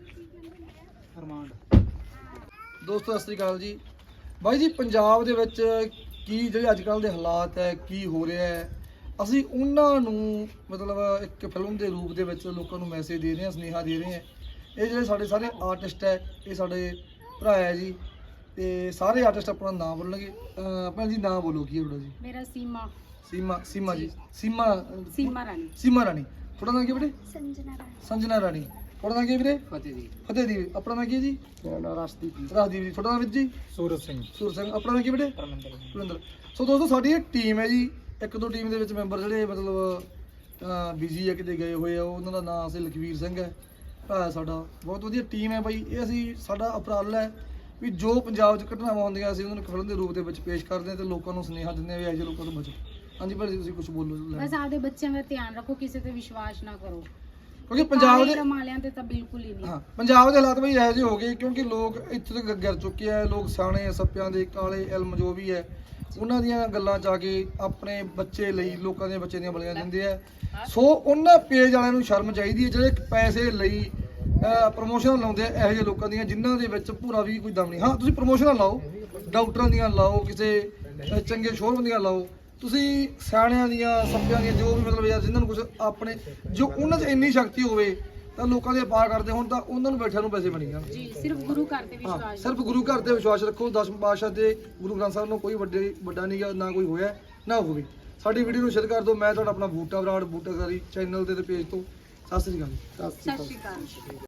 ਦੋਸਤੋ ਸਤਿ ਸ੍ਰੀ ਅਕਾਲ ਜੀ। ਬਾਈ ਜੀ, ਪੰਜਾਬ ਦੇ ਵਿੱਚ ਕੀ ਜਿਹੜੇ ਅੱਜ ਕੱਲ੍ਹ ਦੇ ਹਾਲਾਤ ਹੈ, ਕੀ ਹੋ ਰਿਹਾ ਹੈ, ਅਸੀਂ ਉਹਨਾਂ ਨੂੰ ਮਤਲਬ ਇੱਕ ਫਿਲਮ ਦੇ ਰੂਪ ਦੇ ਵਿੱਚ ਲੋਕਾਂ ਨੂੰ ਮੈਸੇਜ ਦੇ ਰਹੇ ਹਾਂ, ਸੁਨੇਹਾ ਦੇ ਰਹੇ ਹਾਂ। ਇਹ ਜਿਹੜੇ ਸਾਡੇ ਸਾਰੇ ਆਰਟਿਸਟ ਹੈ, ਇਹ ਸਾਡੇ ਭਰਾ ਹੈ ਜੀ, ਤੇ ਸਾਰੇ ਆਰਟਿਸਟ ਆਪਣਾ ਨਾਮ ਬੋਲਣਗੇ। ਭੈਣ ਜੀ, ਨਾਮ ਬੋਲੋ, ਕੀ ਹੈ ਤੁਹਾਡਾ ਜੀ?
ਮੇਰਾ ਸੀਮਾ
ਸੀਮਾ ਸੀਮਾ ਜੀ ਸੀਮਾ
ਸੀਮਾ ਰਾਣੀ।
ਸੀਮਾ ਰਾਣੀ। ਤੁਹਾਡਾ ਨਾਮ ਕੀ ਹੈ ਬੇਟੇ?
ਸੰਜਨਾ ਰਾਣੀ।
ਸੰਜਨਾ ਰਾਣੀ। ਤੁਹਾਡਾ ਨਾਮ ਕੀ ਹੈ ਵੀਰੇ?
ਫਤਿਹ ਦੀ।
ਫਤਿਹ ਦੀ। ਆਪਣਾ ਨਾਮ ਕੀ ਹੈ ਜੀ?
ਮੇਰਾ ਨਾਮ ਰਸਦੀਪ ਜੀ।
ਰਾਜਦੀਪ ਜੀ। ਤੁਹਾਡਾ ਨਾਮ ਵੀਰ ਜੀ?
ਸੂਰਜ ਸਿੰਘ।
ਸੂਰ ਸਿੰਘ। ਆਪਣਾ ਨਾਮ ਕੀ ਹੈ ਬੇਟੇ?
ਪਰਮਿੰਦਰ।
ਕੁਲਿੰਦਰ। ਸੋ ਦੋਸਤੋ, ਸਾਡੀ ਇਹ ਟੀਮ ਹੈ ਜੀ, ਇੱਕ ਦੋ ਟੀਮ ਦੇ ਵਿੱਚ ਮੈਂਬਰ ਜਿਹੜੇ ਮਤਲਬ ਬਿਜ਼ੀ ਹੈ, ਕਿਤੇ ਗਏ ਹੋਏ ਆ, ਉਹਨਾਂ ਦਾ ਨਾਮ ਅਸੀਂ ਲਖਵੀਰ ਸਿੰਘ ਹੈ, ਭਰਾ ਸਾਡਾ। ਬਹੁਤ ਵਧੀਆ ਟੀਮ ਹੈ ਬਾਈ। ਇਹ ਅਸੀਂ ਸਾਡਾ ਉਪਰਾਲਾ ਹੈ ਵੀ ਜੋ ਪੰਜਾਬ 'ਚ ਘਟਨਾਵਾਂ ਹੁੰਦੀਆਂ ਅਸੀਂ ਉਹਨਾਂ ਨੂੰ ਫਿਲਮ ਦੇ ਰੂਪ ਦੇ ਵਿੱਚ ਪੇਸ਼ ਕਰਦੇ ਹਾਂ ਤੇ ਲੋਕਾਂ ਨੂੰ ਸੁਨੇਹਾ ਦਿੰਦੇ ਹਾਂ ਵੀ ਇਹੋ ਜਿਹੇ ਲੋਕਾਂ ਤੋਂ ਬਚੋ। ਹਾਂਜੀ ਭਾਜੀ, ਤੁਸੀਂ ਕੁਝ ਬੋਲੋ।
ਬਸ ਆਪਦੇ ਬੱਚਿਆਂ ਦਾ ਧਿਆਨ ਰੱਖੋ, ਕਿਸੇ ਤੇ ਵਿਸ਼ਵਾਸ ਨਾ ਕਰੋ,
ਕਿਉਂਕਿ ਪੰਜਾਬ ਦੇ
ਰਮਾਲਿਆਂ ਤੇ ਤਾਂ ਬਿਲਕੁਲ ਹੀ ਨਹੀਂ।
ਹਾਂ, ਪੰਜਾਬ ਦੇ ਹਾਲਾਤ ਬਈ ਇਹੋ ਜਿਹੇ ਹੋ ਗਏ ਕਿਉਂਕਿ ਲੋਕ ਇੱਥੇ ਤੱਕ ਗਿਰ ਚੁੱਕੇ ਆ। ਲੋਕ ਸਿਆਣੇ ਸੱਪਿਆਂ ਦੇ ਕਾਲੇ ਇਲਮ ਜੋ ਵੀ ਹੈ ਉਹਨਾਂ ਦੀਆਂ ਗੱਲਾਂ 'ਚ ਆ ਕੇ ਆਪਣੇ ਬੱਚੇ ਲਈ ਲੋਕਾਂ ਦੇ ਬੱਚੇ ਦੀਆਂ ਬਲੀਆਂ ਦਿੰਦੇ ਆ। ਸੋ ਉਹਨਾਂ ਪੇਜ ਵਾਲਿਆਂ ਨੂੰ ਸ਼ਰਮ ਚਾਹੀਦੀ ਹੈ ਜਿਹੜੇ ਪੈਸੇ ਲਈ ਪ੍ਰਮੋਸ਼ਨ ਲਾਉਂਦੇ ਆ ਇਹੋ ਜਿਹੇ ਲੋਕਾਂ ਦੀਆਂ, ਜਿਨ੍ਹਾਂ ਦੇ ਵਿੱਚ ਪੂਰਾ ਵੀ ਕੋਈ ਦਮ ਨਹੀਂ। ਹਾਂ, ਤੁਸੀਂ ਪ੍ਰਮੋਸ਼ਨਾਂ ਲਾਓ, ਡਾਕਟਰਾਂ ਦੀਆਂ ਲਾਓ, ਕਿਸੇ ਅਹ, ਚੰਗੇ ਸ਼ੋਰੂਮ ਦੀਆਂ ਲਾਓ, ਤੁਸੀਂ ਸਿਆਣਿਆਂ ਦੀਆਂ ਸੱਪਿਆਂ ਦੀਆਂ ਜੋ ਵੀ ਮਤਲਬ ਯਾਰ ਜਿਨ੍ਹਾਂ ਨੂੰ ਕੁਝ ਆਪਣੇ ਜੋ ਉਹਨਾਂ 'ਚ ਇੰਨੀ ਸ਼ਕਤੀ ਹੋਵੇ ਤਾਂ ਲੋਕਾਂ ਦੇ ਪਾ ਕਰਦੇ ਹੁਣ ਤਾਂ ਉਹਨਾਂ ਨੂੰ ਬੈਠਿਆਂ ਨੂੰ ਪੈਸੇ ਬਣੀ ਜਾਣ।
ਜੀ, ਸਿਰਫ ਗੁਰੂ ਘਰ ਤੇ
ਹਾਂ,
ਵਿਸ਼ਵਾਸ।
ਸਿਰਫ ਗੁਰੂ ਘਰ ਤੇ ਵਿਸ਼ਵਾਸ ਰੱਖੋ। ਦਸਮ ਪਾਤਸ਼ਾਹ ਤੇ ਗੁਰੂ ਗ੍ਰੰਥ ਸਾਹਿਬ ਨੂੰ ਕੋਈ ਵੱਡੇ ਵੱਡਾ ਨਹੀਂ ਗਾ, ਨਾ ਕੋਈ ਹੋਇਆ ਨਾ ਹੋਵੇ। ਸਾਡੀ ਵੀਡੀਓ ਨੂੰ ਸ਼ੇਅਰ ਕਰ ਦਿਓ। ਮੈਂ ਤੁਹਾਡਾ ਆਪਣਾ ਬੂਟਾ ਬਰਾੜ ਬੂਟਾਕਾਰੀ ਚੈਨਲ ਦੇ ਤੇ ਪੇਜ ਤੋਂ ਸਤਿ ਸ੍ਰੀ ਅਕਾਲ ਜੀ।
ਸਤਿ ਸ਼੍ਰੀ
ਸਤਿ
ਅਕਾਲ
ਸ਼੍ਰੀ ਅਕਾਲ।